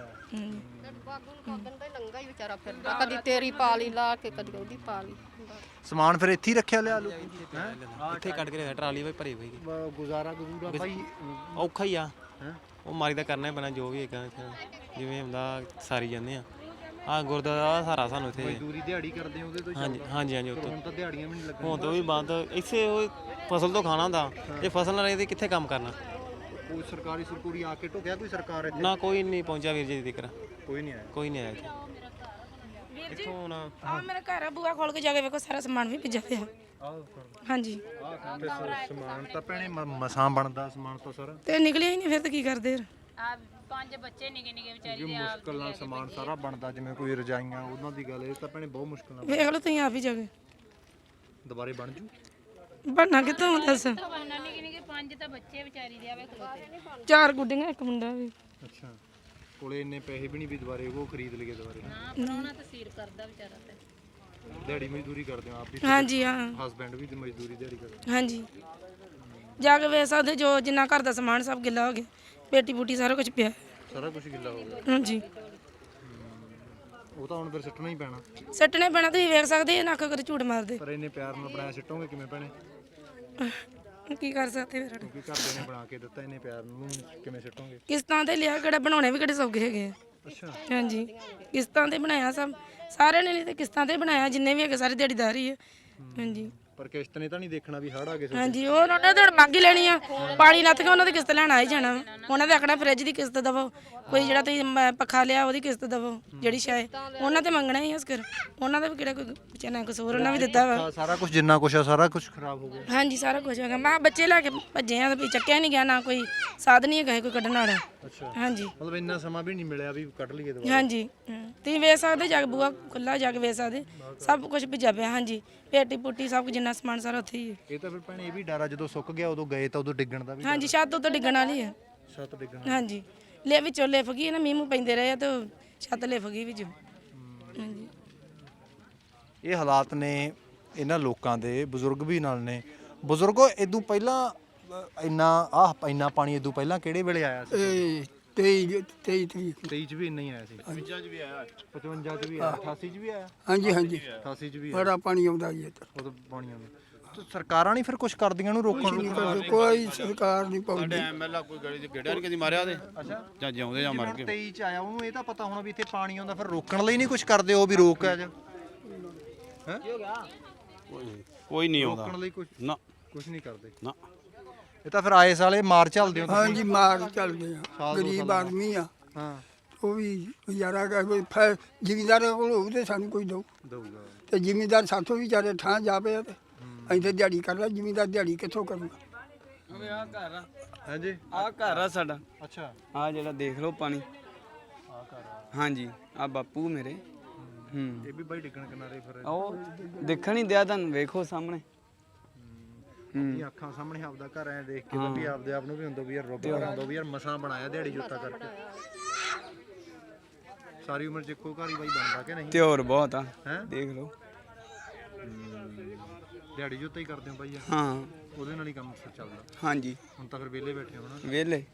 Speaker 1: ਨੰਗਾ ਹੀ ਵਿਚਾਰਾ ਫਿਰਦਾ, ਕਦੀ ਤੇਰੀ ਪਾ ਲਈ ਲਾ ਕੇ, ਕਦੀ ਉਹਦੀ ਪਾ ਲਈ।
Speaker 2: ਸਮਾਨ ਫਿਰ ਇੱਥੇ ਹੀ ਰੱਖਿਆ ਲਿਆ ਲੋ
Speaker 11: ਇੱਥੇ ਕੱਢ ਕੇ ਰੱਖਿਆ, ਟਰਾਲੀ ਵਿੱਚ ਭਰੀ ਹੋਈ
Speaker 2: ਗੁਜ਼ਾਰਾ ਭਾਈ
Speaker 11: ਔਖਾ ਹੀ ਆ। ਉਹ ਮਾਰੀ ਦਾ ਕਰਨਾ ਹੀ ਪੈਣਾ, ਜੋ ਵੀ ਹੈਗਾ ਜਿਵੇਂ ਹੁੰਦਾ ਸਾਰੀ ਜਾਂਦੇ ਆ। ਆਹ ਗੁਰਦੁਆਰਾ ਦਾ ਸਹਾਰਾ ਸਾਨੂੰ ਇੱਥੇ।
Speaker 2: ਮਜ਼ਦੂਰੀ ਦਿਹਾੜੀ ਕਰਦੇ ਹੋ ਉਹਦੇ ਤੋਂ?
Speaker 11: ਹਾਂਜੀ
Speaker 2: ਹੁਣ ਤਾਂ ਦਿਹਾੜੀਆਂ ਵੀ ਨਹੀਂ ਲੱਗਣੀਆਂ।
Speaker 11: ਹੁਣ ਤਾਂ ਵੀ ਬੰਦ, ਇੱਥੇ ਉਹ ਫਸਲ ਤੋਂ ਖਾਣਾ ਹੁੰਦਾ, ਇਹ ਫਸਲ ਨਾ ਰਹੇ ਤੇ ਕਿੱਥੇ ਕੰਮ ਕਰਨਾ।
Speaker 2: ਕੋਈ ਸਰਕਾਰੀ ਆ ਕੇ ਢੁਕਿਆ ਕੋਈ ਸਰਕਾਰ ਇੱਥੇ?
Speaker 11: ਨਾ ਕੋਈ ਨਹੀਂ ਪਹੁੰਚਿਆ ਵੀਰ ਜੀ ਦੀ ਜ਼ਿਕਰ,
Speaker 2: ਕੋਈ ਨਹੀਂ ਆਇਆ।
Speaker 11: ਕੋਈ ਨਹੀਂ ਆਇਆ ਇੱਥੇ। ਇੱਥੋਂ ਹੁਣ
Speaker 3: ਆ ਮੇਰਾ ਘਰ ਆ, ਬੂਆ ਖੋਲ ਕੇ ਜਾ ਕੇ ਵੇਖੋ, ਸਾਰਾ ਸਮਾਨ ਵੀ ਭਿੱਜਾ ਪਿਆ। ਹਾਂਜੀ
Speaker 2: ਸਮਾਨ ਤਾਂ ਭੈਣੇ ਮਸਾਂ ਬਣਦਾ ਸਮਾਨ ਤਾਂ ਸਾਰਾ,
Speaker 3: ਤੇ ਨਿਕਲਿਆ ਹੀ ਨਹੀਂ, ਫਿਰ ਤਾਂ ਕੀ ਕਰਦੇ?
Speaker 4: ਆ 5 ਬੱਚੇ ਨਿੱਕੇ ਵਿਚਾਰੀ ਦੇ
Speaker 2: ਮੁਸ਼ਕਲ ਨਾਲ ਸਮਾਨ ਸਾਰਾ ਬਣਦਾ, ਜਿਵੇਂ ਕੋਈ ਰਜਾਈਆਂ ਉਹਨਾਂ ਦੀ ਗੱਲ, ਇਹ ਤਾਂ ਭੈਣੇ ਬਹੁਤ ਮੁਸ਼ਕਲ ਨਾਲ।
Speaker 3: ਵੇਖ ਲਓ ਤੁਸੀਂ ਆਪ ਹੀ ਜਾ ਕੇ।
Speaker 2: ਦੁਬਾਰੇ ਬਣ ਜੂ?
Speaker 3: ਬਣਨਾ ਕਿੱਥੋਂ ਦੱਸ?
Speaker 4: ਉਹਨਾਂ ਨੇ ਕਿਹਾ ਕਿ 5 ਤਾਂ ਬੱਚੇ ਵਿਚਾਰੀ ਦੇ ਆਵੇ ਖਲੋਤੇ
Speaker 3: 4 ਗੁੱਡੀਆਂ ਇੱਕ ਮੁੰਡਾ ਵੀ।
Speaker 2: ਅੱਛਾ, ਕੋਲੇ ਇੰਨੇ ਪੈਸੇ ਵੀ ਨਹੀਂ ਵੀ ਦੁਬਾਰੇ ਉਹ ਖਰੀਦ ਲਈਏ ਦੁਬਾਰੇ।
Speaker 4: ਨਾ ਪਰਾਉਣਾ ਤਾਂ ਸੀਰ ਕਰਦਾ ਵਿਚਾਰਾ ਤੇ
Speaker 2: ਦਿਹਾੜੀ ਮਜ਼ਦੂਰੀ ਕਰਦੇ ਹੋ ਆਪ ਵੀ?
Speaker 3: ਹਾਂਜੀ ਹਾਂ
Speaker 2: ਹਸਬੈਂਡ ਵੀ ਤੇ ਮਜ਼ਦੂਰੀ ਦਿਹਾੜੀ ਕਰਦੇ?
Speaker 3: ਹਾਂਜੀ, ਜਾ ਕੇ ਵੇਖ ਸਕਦੇ ਜੋ ਜਿੰਨਾ ਘਰ ਦਾ ਸਮਾਨ ਸਭ ਗਿੱਲਾ ਹੋ ਗਿਆ, ਪੇਟੀ ਬੂਟੀ ਸਾਰਾ ਕੁਝ ਪਿਆ।
Speaker 2: ਸਾਰਾ ਕੁਝ ਗਿੱਲਾ ਹੋ ਗਿਆ?
Speaker 3: ਹਾਂਜੀ,
Speaker 2: ਉਹ ਤਾਂ ਹੁਣ ਫਿਰ ਸਿੱਟਣਾ ਹੀ ਪੈਣਾ।
Speaker 3: ਸੱਟਣੇ ਪੈਣਾ, ਤੁਸੀਂ ਵੇਖ ਸਕਦੇ ਇਹ ਨੱਕ ਕਰ ਝੂਠ ਮਾਰਦੇ।
Speaker 2: ਪਰ ਇੰਨੇ ਪਿਆਰ ਨਾਲ ਬਣਾਇਆ, ਸਿੱਟੋਗੇ ਕਿਵੇਂ ਭੈਣੇ?
Speaker 3: ਕੀ ਕਰ ਸਕਦੇ ਫਿਰ?
Speaker 2: ਕਿਉਂਕਿ ਘਰਦੇ ਨੇ ਬਣਾ ਕੇ ਦਿੱਤਾ, ਇੰਨੇ ਪਿਆਰ ਨੂੰ ਕਿਵੇਂ ਸਿੱਟੋਗੇ?
Speaker 3: ਕਿਸ਼ਤਾਂ ਤੇ ਲਿਆ, ਕਿਹੜਾ ਬਣਾਉਣੇ ਵੀ ਕਿਹੜੇ ਸੌਖੇ ਹੈਗੇ ਆ।
Speaker 2: ਅੱਛਾ,
Speaker 3: ਹਾਂਜੀ, ਕਿਸ਼ਤਾਂ ਤੇ ਬਣਾਇਆ ਸਭ, ਸਾਰਿਆਂ ਨੇ ਨਹੀਂ ਤੇ ਕਿਸ਼ਤਾਂ ਤੇ ਬਣਾਇਆ, ਜਿੰਨੇ ਵੀ ਹੈਗੇ ਸਾਰੇ ਦਿਹਾੜੀਦਾਰ ਹੀ ਆ। ਹਾਂਜੀ
Speaker 2: ਪਰ ਕਿਸ਼ਤ ਨੇ ਤਾਂ ਨਹੀਂ ਦੇਖਣਾ ਵੀ ਹੜ ਆ ਗਏ?
Speaker 3: ਹਾਂਜੀ, ਉਹ ਉਹਨਾਂ ਨੇ ਤਾਂ ਮੰਗ ਹੀ ਲੈਣੀ ਆ, ਪਾਣੀ ਲੱਥ ਗਿਆ ਉਹਨਾਂ ਦੀ ਕਿਸ਼ਤ ਲੈਣ ਆ ਹੀ ਜਾਣਾ ਵਾ। ਉਹਨਾਂ ਦੇ ਆਖਣਾ ਫਰਿੱਜ ਦੀ ਕਿਸ਼ਤ ਦਵੋ, ਕੋਈ ਜਿਹੜਾ ਤੁਸੀਂ ਪੱਖਾ ਲਿਆ ਉਹਦੀ ਕਿਸ਼ਤ ਦਵੋ, ਜਿਹੜੀ ਸ਼ਾਇ ਉਹਨਾਂ ਤੇ ਮੰਗਣਾ ਹੀ ਉਸ ਕਰ। ਉਹਨਾਂ ਦਾ ਵੀ ਕਿਹੜਾ ਕੋਈ ਵਿਚਾਰਾ ਕਸੂਰ, ਉਹਨਾਂ ਵੀ ਦਿੱਤਾ ਵਾ।
Speaker 2: ਸਾਰਾ ਕੁਝ ਜਿੰਨਾ ਕੁਝ ਆ ਸਾਰਾ ਕੁਝ ਖਰਾਬ ਹੋ ਗਿਆ?
Speaker 3: ਹਾਂਜੀ, ਸਾਰਾ ਕੁਝ ਹੋ ਗਿਆ। ਮੈਂ ਬੱਚੇ ਲੈ ਕੇ ਭੱਜੇ ਆ ਤੇ ਚੱਕਿਆ ਨਹੀਂ ਗਿਆ, ਨਾ ਕੋਈ ਸਾਧਨ ਹੀ ਹੈਗਾ ਕੋਈ ਕੱਢਣ ਵਾਲਾ।
Speaker 2: ਅੱਛਾ,
Speaker 3: ਹਾਂਜੀ,
Speaker 2: ਮਤਲਬ ਇੰਨਾ ਸਮਾਂ ਵੀ ਨਹੀਂ ਮਿਲਿਆ ਵੀ ਕੱਢ ਲਈਏ ਦੁਬਾਰਾ?
Speaker 3: ਹਾਂਜੀ, ਤੁਸੀਂ ਵੇਖ ਸਕਦੇ, ਜਾ ਕੇ ਬੂਆ ਖੁੱਲਾ ਜਾ ਕੇ ਵੇਖ ਸਕਦੇ, ਸਭ ਕੁਝ ਭਿੱਜਾ ਪਿਆ। ਹਾਂਜੀ, ਪੇਟੀ ਪੁੱਟੀ ਸਭ ਕੁਝ, ਜਿੰਨਾ ਸਮਾਨ ਸਾਰਾ ਉੱਥੇ ਹੀ ਹੈ।
Speaker 2: ਇਹ ਤਾਂ ਫਿਰ ਭੈਣੇ ਇਹ ਵੀ ਡਰ ਆ, ਜਦੋਂ ਸੁੱਕ ਗਿਆ ਉਦੋਂ ਗਏ ਤਾਂ ਉਦੋਂ ਡਿੱਗਣ ਦਾ ਵੀ?
Speaker 3: ਹਾਂਜੀ, ਛੱਤ ਉੱਤੇ ਡਿੱਗਣ ਵਾਲੀ ਹੈ।
Speaker 2: ਛੱਤ ਡਿੱਗਣ?
Speaker 3: ਹਾਂਜੀ, ਲੈ ਵਿੱਚੋਂ ਲਿਫ ਗਈ ਨਾ, ਮੀਂਹ ਮੂੰਹ ਪੈਂਦੇ ਰਹੇ ਆ ਤੇ ਛੱਤ ਲਿਫ ਗਈ ਵਿੱਚੋਂ। ਹਾਂਜੀ,
Speaker 2: ਇਹ ਹਾਲਾਤ ਨੇ ਇਹਨਾਂ ਲੋਕਾਂ ਦੇ। ਬਜ਼ੁਰਗ ਵੀ ਨਾਲ ਨੇ। ਬਜ਼ੁਰਗੋ ਇਦੋਂ ਪਹਿਲਾਂ ਇੰਨਾ ਪਾਣੀ ਇਦੋਂ ਪਹਿਲਾਂ ਕਿਹੜੇ ਵੇਲੇ ਆਇਆ ਸੀ? 23 ਚ ਵੀ ਇੰਨਾ ਹੀ ਆਇਆ ਸੀ? 55 ਚ ਵੀ ਆਇਆ, 55 ਚ ਵੀ ਆਇਆ, 88 ਚ ਵੀ ਆਇਆ?
Speaker 12: ਹਾਂਜੀ ਹਾਂਜੀ,
Speaker 2: 88 ਚ ਵੀ
Speaker 12: ਬੜਾ ਪਾਣੀ ਆਉਂਦਾ ਜੀ ਇੱਧਰ।
Speaker 2: ਉਦੋਂ ਪਾਣੀ ਆਉਂਦਾ। ਤੇ ਸਰਕਾਰਾਂ ਨਹੀਂ ਫਿਰ ਕੁਝ ਕਰਦੀਆਂ ਨੂੰ ਰੋਕਣ ਨੂੰ?
Speaker 12: ਕੋਈ ਸਰਕਾਰ ਨਹੀਂ ਪਾਉਂਦੀ।
Speaker 6: ਐਮਐਲਏ ਕੋਈ ਗੜੀ ਦੇ ਗੇੜਿਆ ਨਹੀਂ ਕਦੀ ਮਾਰਿਆ ਤੇ? ਅੱਛਾ, ਜਾਂ ਜਿਉਂਦੇ ਜਾਂ ਮਰ ਗਏ।
Speaker 2: 23 ਚ ਆਇਆ, ਉਹਨੂੰ ਇਹ ਤਾਂ ਪਤਾ ਹੋਣਾ ਵੀ ਇੱਥੇ ਪਾਣੀ ਆਉਂਦਾ, ਫਿਰ ਰੋਕਣ ਲਈ ਨਹੀਂ ਕੁਝ ਕਰਦੇ ਉਹ ਵੀ ਰੋਕ ਆ ਜਾ? ਹੈ,
Speaker 6: ਕੋਈ ਨਹੀਂ ਆਉਂਦਾ
Speaker 2: ਰੋਕਣ ਲਈ ਕੁਝ
Speaker 6: ਨਾ,
Speaker 2: ਕੁਝ ਨਹੀਂ ਕਰਦੇ
Speaker 6: ਨਾ।
Speaker 2: ਇਹ ਤਾਂ ਫਿਰ ਆਏ ਸਾਲੇ ਮਾਰ ਚੱਲਦੇ ਹੋ ਤੁਸੀਂ?
Speaker 12: ਹਾਂਜੀ, ਮਾਰ ਚੱਲਦੇ ਆ,
Speaker 2: ਸਾਲ ਦੋ
Speaker 12: ਗਰੀਬ
Speaker 2: ਸਾਲ
Speaker 12: ਆਦਮੀ ਆ,
Speaker 2: ਹਾਂ,
Speaker 12: ਉਹ ਵੀ ਗੁਜ਼ਾਰਾ ਕਰ। ਜ਼ਿਮੀਂਦਾਰਾਂ ਕੋਲ ਹੋਊ ਤੇ ਸਾਨੂੰ ਕੋਈ ਦਊ,
Speaker 2: ਦਊਗਾ।
Speaker 12: ਤੇ ਜ਼ਿਮੀਂਦਾਰ ਸਾਥੋਂ ਵੀ ਵਿਚਾਰੇ ਠਾਂ ਜਾਵੇ ਤੇ ਅਸੀਂ ਤੇ ਦਿਹਾੜੀ ਕਰਦਾ, ਜ਼ਿਮੀਂਦਾਰ ਦਿਹਾੜੀ ਕਿੱਥੋਂ ਕਰੂਗਾ?
Speaker 5: ਆ ਘਰ ਆ,
Speaker 2: ਹਾਂਜੀ,
Speaker 5: ਆ ਘਰ ਆ ਸਾਡਾ।
Speaker 2: ਅੱਛਾ,
Speaker 5: ਆ ਜਿਹੜਾ ਦੇਖ ਲਓ ਪਾਣੀ,
Speaker 2: ਆ ਘਰ ਆ।
Speaker 5: ਹਾਂਜੀ, ਆ ਬਾਪੂ ਮੇਰੇ।
Speaker 2: ਇਹ ਵੀ ਬਾਈ ਡਿੱਗਣ ਕਿਨਾਰੇ ਫਿਰ?
Speaker 5: ਉਹ ਦੇਖਣ ਹੀ ਦਿਆ ਤੁਹਾਨੂੰ, ਵੇਖੋ ਸਾਹਮਣੇ।
Speaker 2: ਇਹ ਅੱਖਾਂ ਸਾਹਮਣੇ ਆਪਦਾ ਘਰ ਐ ਦੇਖ ਕੇ ਤਾਂ ਵੀ ਆਪਦੇ ਆਪ ਨੂੰ ਵੀ ਹੁੰਦਾ ਵੀ ਯਾਰ ਰੱਬ ਕਰਾਂਦਾ ਵੀ ਯਾਰ ਮਸਾਂ ਬਣਾਇਆ ਦਿਹਾੜੀ ਜੁੱਤਾ ਕਰਕੇ। ਸਾਰੀ ਉਮਰ ਚ ਇੱਕੋ ਘਰ ਹੀ ਬਾਈ ਬਣਦਾ ਕਿ ਨਹੀਂ?
Speaker 5: ਤੇ ਹੋਰ ਬਹੁਤ ਆ,
Speaker 2: ਹੈਂ?
Speaker 5: ਦੇਖ ਲਓ।
Speaker 2: ਦਿਹਾੜੀ ਜੁੱਤਾ ਹੀ ਕਰਦੇ ਹੋ ਬਾਈ?
Speaker 5: ਹਾਂ,
Speaker 2: ਉਹਦੇ ਨਾਲ ਹੀ ਕੰਮ ਚੱਲਦਾ?
Speaker 5: ਹਾਂਜੀ,
Speaker 2: ਹੁਣ ਤਾਂ ਫਿਰ ਵਿਹਲੇ ਬੈਠੇ ਹੋ ਨਾ?
Speaker 5: ਵਿਹਲੇ।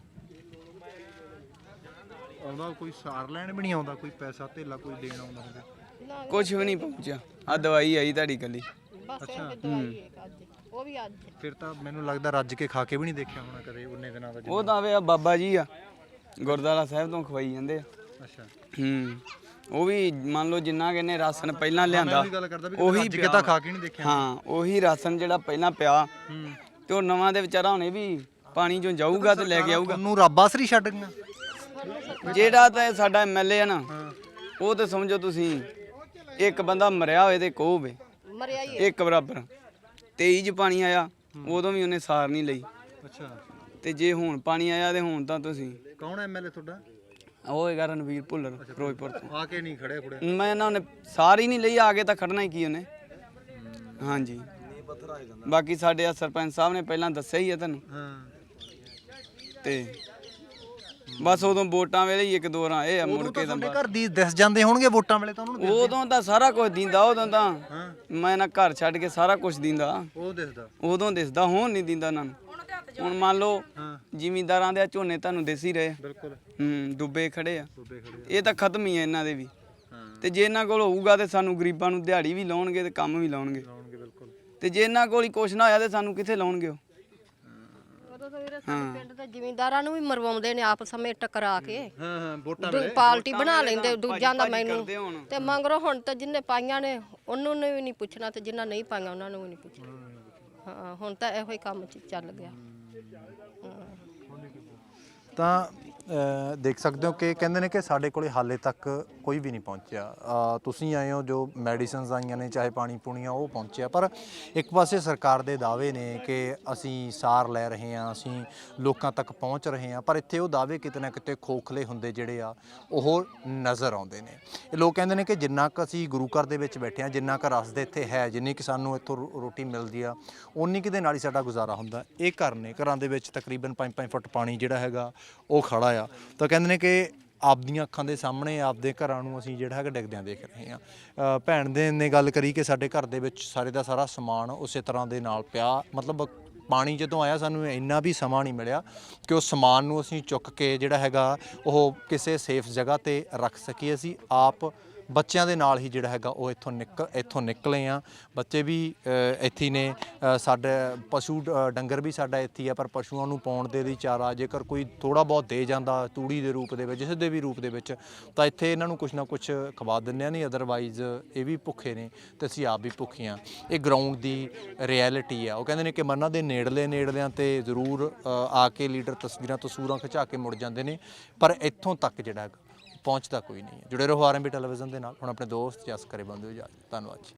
Speaker 2: ਆਉਂਦਾ ਕੋਈ ਸਾਰ ਲੈਣ ਵੀ ਨਹੀਂ ਆਉਂਦਾ, ਕੋਈ ਪੈਸਾ ਧੇਲਾ ਕੋਈ ਦੇਣ ਆਉਂਦਾ ਹੁੰਦਾ?
Speaker 5: ਕੁਝ ਵੀ ਨਹੀਂ ਪਹੁੰਚਿਆ। ਆ ਦਵਾਈ ਆਈ ਤੁਹਾਡੀ ਕੱਲੀ।
Speaker 2: ਅੱਛਾ,
Speaker 1: ਉਹ ਵੀ ਅੱਜ।
Speaker 2: ਫਿਰ ਤਾਂ ਮੈਨੂੰ ਲੱਗਦਾ ਰੱਜ ਕੇ ਖਾ ਕੇ ਵੀ ਨਹੀਂ ਦੇਖਿਆ ਹੋਣਾ ਕਦੇ ਉਹਨੇ ਦਿਨਾਂ ਦਾ?
Speaker 5: ਉਹ ਤਾਂ ਵੇ ਆ ਬਾਬਾ ਜੀ ਆ, ਗੁਰਦੁਆਰਾ ਸਾਹਿਬ ਤੋਂ ਖਵਾਈ ਜਾਂਦੇ ਆ।
Speaker 2: ਅੱਛਾ,
Speaker 5: ਉਹ ਵੀ ਮੰਨ ਲਓ ਜਿੰਨਾ ਕਿਨੇ ਰਾਸ਼ਨ ਪਹਿਲਾਂ ਲਿਆਂਦਾ,
Speaker 2: ਉਹੀ ਰੱਜ ਕੇ ਤਾਂ ਖਾ ਕੇ ਨਹੀਂ ਦੇਖਿਆ?
Speaker 5: ਹਾਂ, ਉਹੀ ਰਾਸ਼ਨ ਜਿਹੜਾ ਪਹਿਲਾਂ ਪਿਆ ਤੇ ਉਹ ਨਵਾਂ ਦੇ ਵਿਚਾਰਾ ਹੁਣੇ ਵੀ ਪਾਣੀ ਚੋਂ ਜਾਊਗਾ ਤੇ ਲੈ ਕੇ ਆਊਗਾ।
Speaker 2: ਉਹਨੂੰ ਰੱਬ ਆਸਰੀ ਛੱਡ ਗਈਆਂ?
Speaker 5: ਜਿਹੜਾ ਤਾਂ ਸਾਡਾ ਐਮਐਲਏ ਆ ਨਾ, ਉਹ ਤੇ ਸਮਝੋ ਤੁਸੀਂ ਇੱਕ ਬੰਦਾ ਮਰਿਆ ਹੋਏ ਤੇ ਕੋ ਹੋਵੇ,
Speaker 1: ਮਰਿਆ ਹੀ
Speaker 5: ਇੱਕ ਬਰਾਬਰ। 23 ਚ ਪਾਣੀ ਆਇਆ, ਉਦੋਂ ਵੀ ਉਹਨੇ ਸਾਰ ਨਹੀਂ ਲਈ।
Speaker 2: ਅੱਛਾ,
Speaker 5: ਤੇ ਜੇ ਹੁਣ ਪਾਣੀ ਆਇਆ ਤੇ ਹੁਣ ਤਾਂ ਤੁਸੀਂ।
Speaker 2: ਕੌਣ ਐਮਐਲਏ ਤੁਹਾਡਾ?
Speaker 5: ਉਹ ਹੈਗਾ ਰਣਵੀਰ ਭੁੱਲਰ, ਫਿਰੋਜ਼ਪੁਰ ਤੋਂ।
Speaker 2: ਆ ਕੇ ਨਹੀਂ ਖੜੇ ਖੁੜੇ?
Speaker 5: ਮੈਂ ਇਹਨਾਂ ਨੇ ਸਾਰ ਹੀ ਨਹੀਂ ਲਈ, ਆ ਕੇ ਤਾਂ ਖੜਨਾ ਹੀ ਕੀ ਉਹਨੇ। ਹਾਂਜੀ, ਬਾਕੀ ਸਾਡੇ ਸਰਪੰਚ ਸਾਹਿਬ ਨੇ ਪਹਿਲਾਂ ਦੱਸਿਆ ਹੀ ਆ ਤੁਹਾਨੂੰ।
Speaker 2: ਹਾਂ,
Speaker 5: ਤੇ ਬਸ ਉਦੋਂ ਵੋਟਾਂ ਵੇਲੇ ਹੀ ਇੱਕ ਦੋ ਰਾਂ ਇਹ ਆ, ਮੁੜ ਕੇ ਤਾਂ
Speaker 2: ਘਰ ਦੀ ਦਿਸ ਜਾਂਦੇ ਹੋਣਗੇ ਵੋਟਾਂ ਵੇਲੇ ਤਾਂ ਉਹਨੂੰ?
Speaker 5: ਉਦੋਂ ਤਾਂ ਸਾਰਾ ਕੁਝ ਦਿੰਦਾ, ਉਦੋਂ ਤਾਂ ਮੈਂ ਨਾ ਘਰ ਛੱਡ ਕੇ ਸਾਰਾ ਕੁਝ ਦਿੰਦਾ।
Speaker 2: ਉਹ ਦਿਸਦਾ
Speaker 5: ਉਦੋਂ ਦਿਸਦਾ, ਹੁਣ ਨਹੀਂ ਦਿੰਦਾ ਇਹਨਾਂ ਨੂੰ। ਹੁਣ ਮੰਨ ਲਓ ਜ਼ਿਮੀਂਦਾਰਾਂ ਦੇ ਝੋਨੇ ਤੁਹਾਨੂੰ ਦਿਸ ਹੀ ਰਹੇ।
Speaker 2: ਬਿਲਕੁਲ,
Speaker 5: ਡੁੱਬੇ ਖੜੇ ਆ,
Speaker 2: ਡੁੱਬੇ ਖੜੇ ਆ।
Speaker 5: ਇਹ ਤਾਂ ਖਤਮ ਹੀ ਆ ਇਹਨਾਂ ਦੇ ਵੀ। ਤੇ ਜੇ ਇਹਨਾਂ ਕੋਲ ਹੋਊਗਾ ਤੇ ਸਾਨੂੰ ਗਰੀਬਾਂ ਨੂੰ ਦਿਹਾੜੀ ਵੀ ਲਾਉਣਗੇ ਤੇ ਕੰਮ ਵੀ ਲਾਉਣਗੇ।
Speaker 2: ਬਿਲਕੁਲ।
Speaker 5: ਤੇ ਜੇ ਇਹਨਾਂ ਕੋਲ ਹੀ ਕੁਛ ਨਾ ਹੋਇਆ ਤੇ ਸਾਨੂੰ ਕਿੱਥੇ ਲਾਉਣਗੇ ਉਹ?
Speaker 1: ਉਦੋਂ ਤਾਂ ਵੀਰੇ ਸਾਡੇ ਪਿੰਡ ਦੇ ਜ਼ਿਮੀਂਦਾਰਾਂ ਨੂੰ ਵੀ ਮਰਵਾਉਂਦੇ ਨੇ ਆਪਸ ਵਿੱਚ ਟਕਰਾ ਕੇ।
Speaker 2: ਹਾਂ, ਵੋਟਾਂ
Speaker 1: ਵੇਲੇ ਪਾਰਟੀ ਬਣਾ ਲੈਂਦੇ, ਦੂਜਿਆਂ ਦਾ ਮੈਨੂੰ ਤੇ ਮੰਗਰੋ। ਹੁਣ ਤਾਂ ਜਿੰਨੇ ਪਾਈਆਂ ਨੇ ਉਹਨੂੰ ਵੀ ਨਹੀਂ ਪੁੱਛਣਾ ਤੇ ਜਿੰਨਾ ਨਹੀਂ ਪਾਈਆਂ ਉਹਨਾਂ ਨੂੰ ਵੀ ਨਹੀਂ ਪੁੱਛਣਾ। ਹਾਂ, ਹੁਣ ਤਾਂ ਇਹੋ ਹੀ ਕੰਮ ਚੱਲ ਗਿਆ।
Speaker 2: ਤਾਂ ਦੇਖ ਸਕਦੇ ਹੋ ਕਿ ਕਹਿੰਦੇ ਨੇ ਕਿ ਸਾਡੇ ਕੋਲੇ ਹਾਲੇ ਤੱਕ ਕੋਈ ਵੀ ਨਹੀਂ ਪਹੁੰਚਿਆ। ਤੁਸੀਂ ਆਏ ਹੋ, ਜੋ ਮੈਡੀਸਿਨਸ ਆਈਆਂ ਨੇ ਚਾਹੇ ਪਾਣੀ ਪੂਣੀਆਂ ਉਹ ਪਹੁੰਚਿਆ, ਪਰ ਇੱਕ ਪਾਸੇ ਸਰਕਾਰ ਦੇ ਦਾਅਵੇ ਨੇ ਕਿ ਅਸੀਂ ਸਾਰ ਲੈ ਰਹੇ ਹਾਂ, ਅਸੀਂ ਲੋਕਾਂ ਤੱਕ ਪਹੁੰਚ ਰਹੇ ਹਾਂ, ਪਰ ਇੱਥੇ ਉਹ ਦਾਅਵੇ ਕਿਤੇ ਨਾ ਕਿਤੇ ਖੋਖਲੇ ਹੁੰਦੇ ਜਿਹੜੇ ਆ ਉਹ ਨਜ਼ਰ ਆਉਂਦੇ ਨੇ। ਇਹ ਲੋਕ ਕਹਿੰਦੇ ਨੇ ਕਿ ਜਿੰਨਾ ਕੁ ਅਸੀਂ ਗੁਰੂ ਘਰ ਦੇ ਵਿੱਚ ਬੈਠੇ ਹਾਂ, ਜਿੰਨਾ ਕੁ ਰਸ ਦੇ ਇੱਥੇ ਹੈ, ਜਿੰਨੀ ਕਿ ਸਾਨੂੰ ਇੱਥੋਂ ਰੋਟੀ ਮਿਲਦੀ ਆ, ਉਨੀ ਕੁ ਦੇ ਨਾਲ ਹੀ ਸਾਡਾ ਗੁਜ਼ਾਰਾ ਹੁੰਦਾ। ਇਹ ਘਰ ਨੇ, ਘਰਾਂ ਦੇ ਵਿੱਚ ਤਕਰੀਬਨ 5-5 ਫੁੱਟ ਪਾਣੀ ਜਿਹੜਾ ਹੈਗਾ ਉਹ ਖੜਾ ਆ। ਤਾਂ ਕਹਿੰਦੇ ਨੇ ਕਿ ਆਪਦੀਆਂ ਅੱਖਾਂ ਦੇ ਸਾਹਮਣੇ ਆਪਦੇ ਘਰਾਂ ਨੂੰ ਅਸੀਂ ਜਿਹੜਾ ਹੈਗਾ ਡਿੱਗਦਿਆਂ ਦੇਖ ਰਹੇ ਹਾਂ। ਭੈਣ ਦੇ ਨੇ ਗੱਲ ਕਰੀ ਕਿ ਸਾਡੇ ਘਰ ਦੇ ਵਿੱਚ ਸਾਰੇ ਦਾ ਸਾਰਾ ਸਮਾਨ ਉਸੇ ਤਰ੍ਹਾਂ ਦੇ ਨਾਲ ਪਿਆ, ਮਤਲਬ ਪਾਣੀ ਜਦੋਂ ਆਇਆ ਸਾਨੂੰ ਇੰਨਾ ਵੀ ਸਮਾਂ ਨਹੀਂ ਮਿਲਿਆ ਕਿ ਉਸ ਸਮਾਨ ਨੂੰ ਅਸੀਂ ਚੁੱਕ ਕੇ ਜਿਹੜਾ ਹੈਗਾ ਉਹ ਕਿਸੇ ਸੇਫ ਜਗ੍ਹਾ ਤੇ ਰੱਖ ਸਕੀਏ। ਅਸੀਂ ਆਪ ਬੱਚਿਆਂ ਦੇ ਨਾਲ ਹੀ ਜਿਹੜਾ ਹੈਗਾ ਉਹ ਇੱਥੋਂ ਨਿਕਲੇ ਆ। ਬੱਚੇ ਵੀ ਇੱਥੇ ਨੇ, ਸਾਡੇ ਪਸ਼ੂ ਡੰਗਰ ਵੀ ਸਾਡਾ ਇੱਥੇ ਆ, ਪਰ ਪਸ਼ੂਆਂ ਨੂੰ ਪਾਉਣ ਦੇ ਲਈ ਚਾਰਾ ਜੇਕਰ ਕੋਈ ਥੋੜਾ ਬਹੁਤ ਦੇ ਜਾਂਦਾ ਤੂੜੀ ਦੇ ਰੂਪ ਦੇ ਵਿੱਚ, ਜਿਸ ਦੇ ਵੀ ਰੂਪ ਦੇ ਵਿੱਚ, ਤਾਂ ਇੱਥੇ ਇਹਨਾਂ ਨੂੰ ਕੁਛ ਨਾ ਕੁਛ ਖਵਾ ਦਿੰਦੇ ਆ। ਨਹੀਂ ਅਦਰਵਾਈਜ਼ ਇਹ ਵੀ ਭੁੱਖੇ ਨੇ ਤੇ ਅਸੀਂ ਆਪ ਵੀ ਭੁੱਖੇ ਆ। ਇਹ ਗਰਾਊਂਡ ਦੀ ਰਿਐਲਿਟੀ ਆ। ਉਹ ਕਹਿੰਦੇ ਨੇ ਕਿ ਮਨਾਂ ਦੇ ਨੇੜਲਿਆਂ ਤੇ ਜ਼ਰੂਰ ਆ ਕੇ ਲੀਡਰ ਤਸਵੀਰਾਂ ਖਿਚਾ ਕੇ ਮੁੜ ਜਾਂਦੇ ਨੇ, ਪਰ ਇੱਥੋਂ ਤੱਕ ਜਿਹੜਾ ਹੈਗਾ ਪਹੁੰਚਦਾ ਕੋਈ ਨਹੀਂ ਹੈ। ਜੁੜੇ ਰਹੋ ਆਰਐਮਬੀ ਟੈਲੀਵਿਜ਼ਨ ਦੇ ਨਾਲ। ਹੁਣ ਆਪਣੇ ਦੋਸਤ ਜਸ ਕਰੇ ਬੰਦੇ ਹੋ ਜਾ। ਧੰਨਵਾਦ ਜੀ।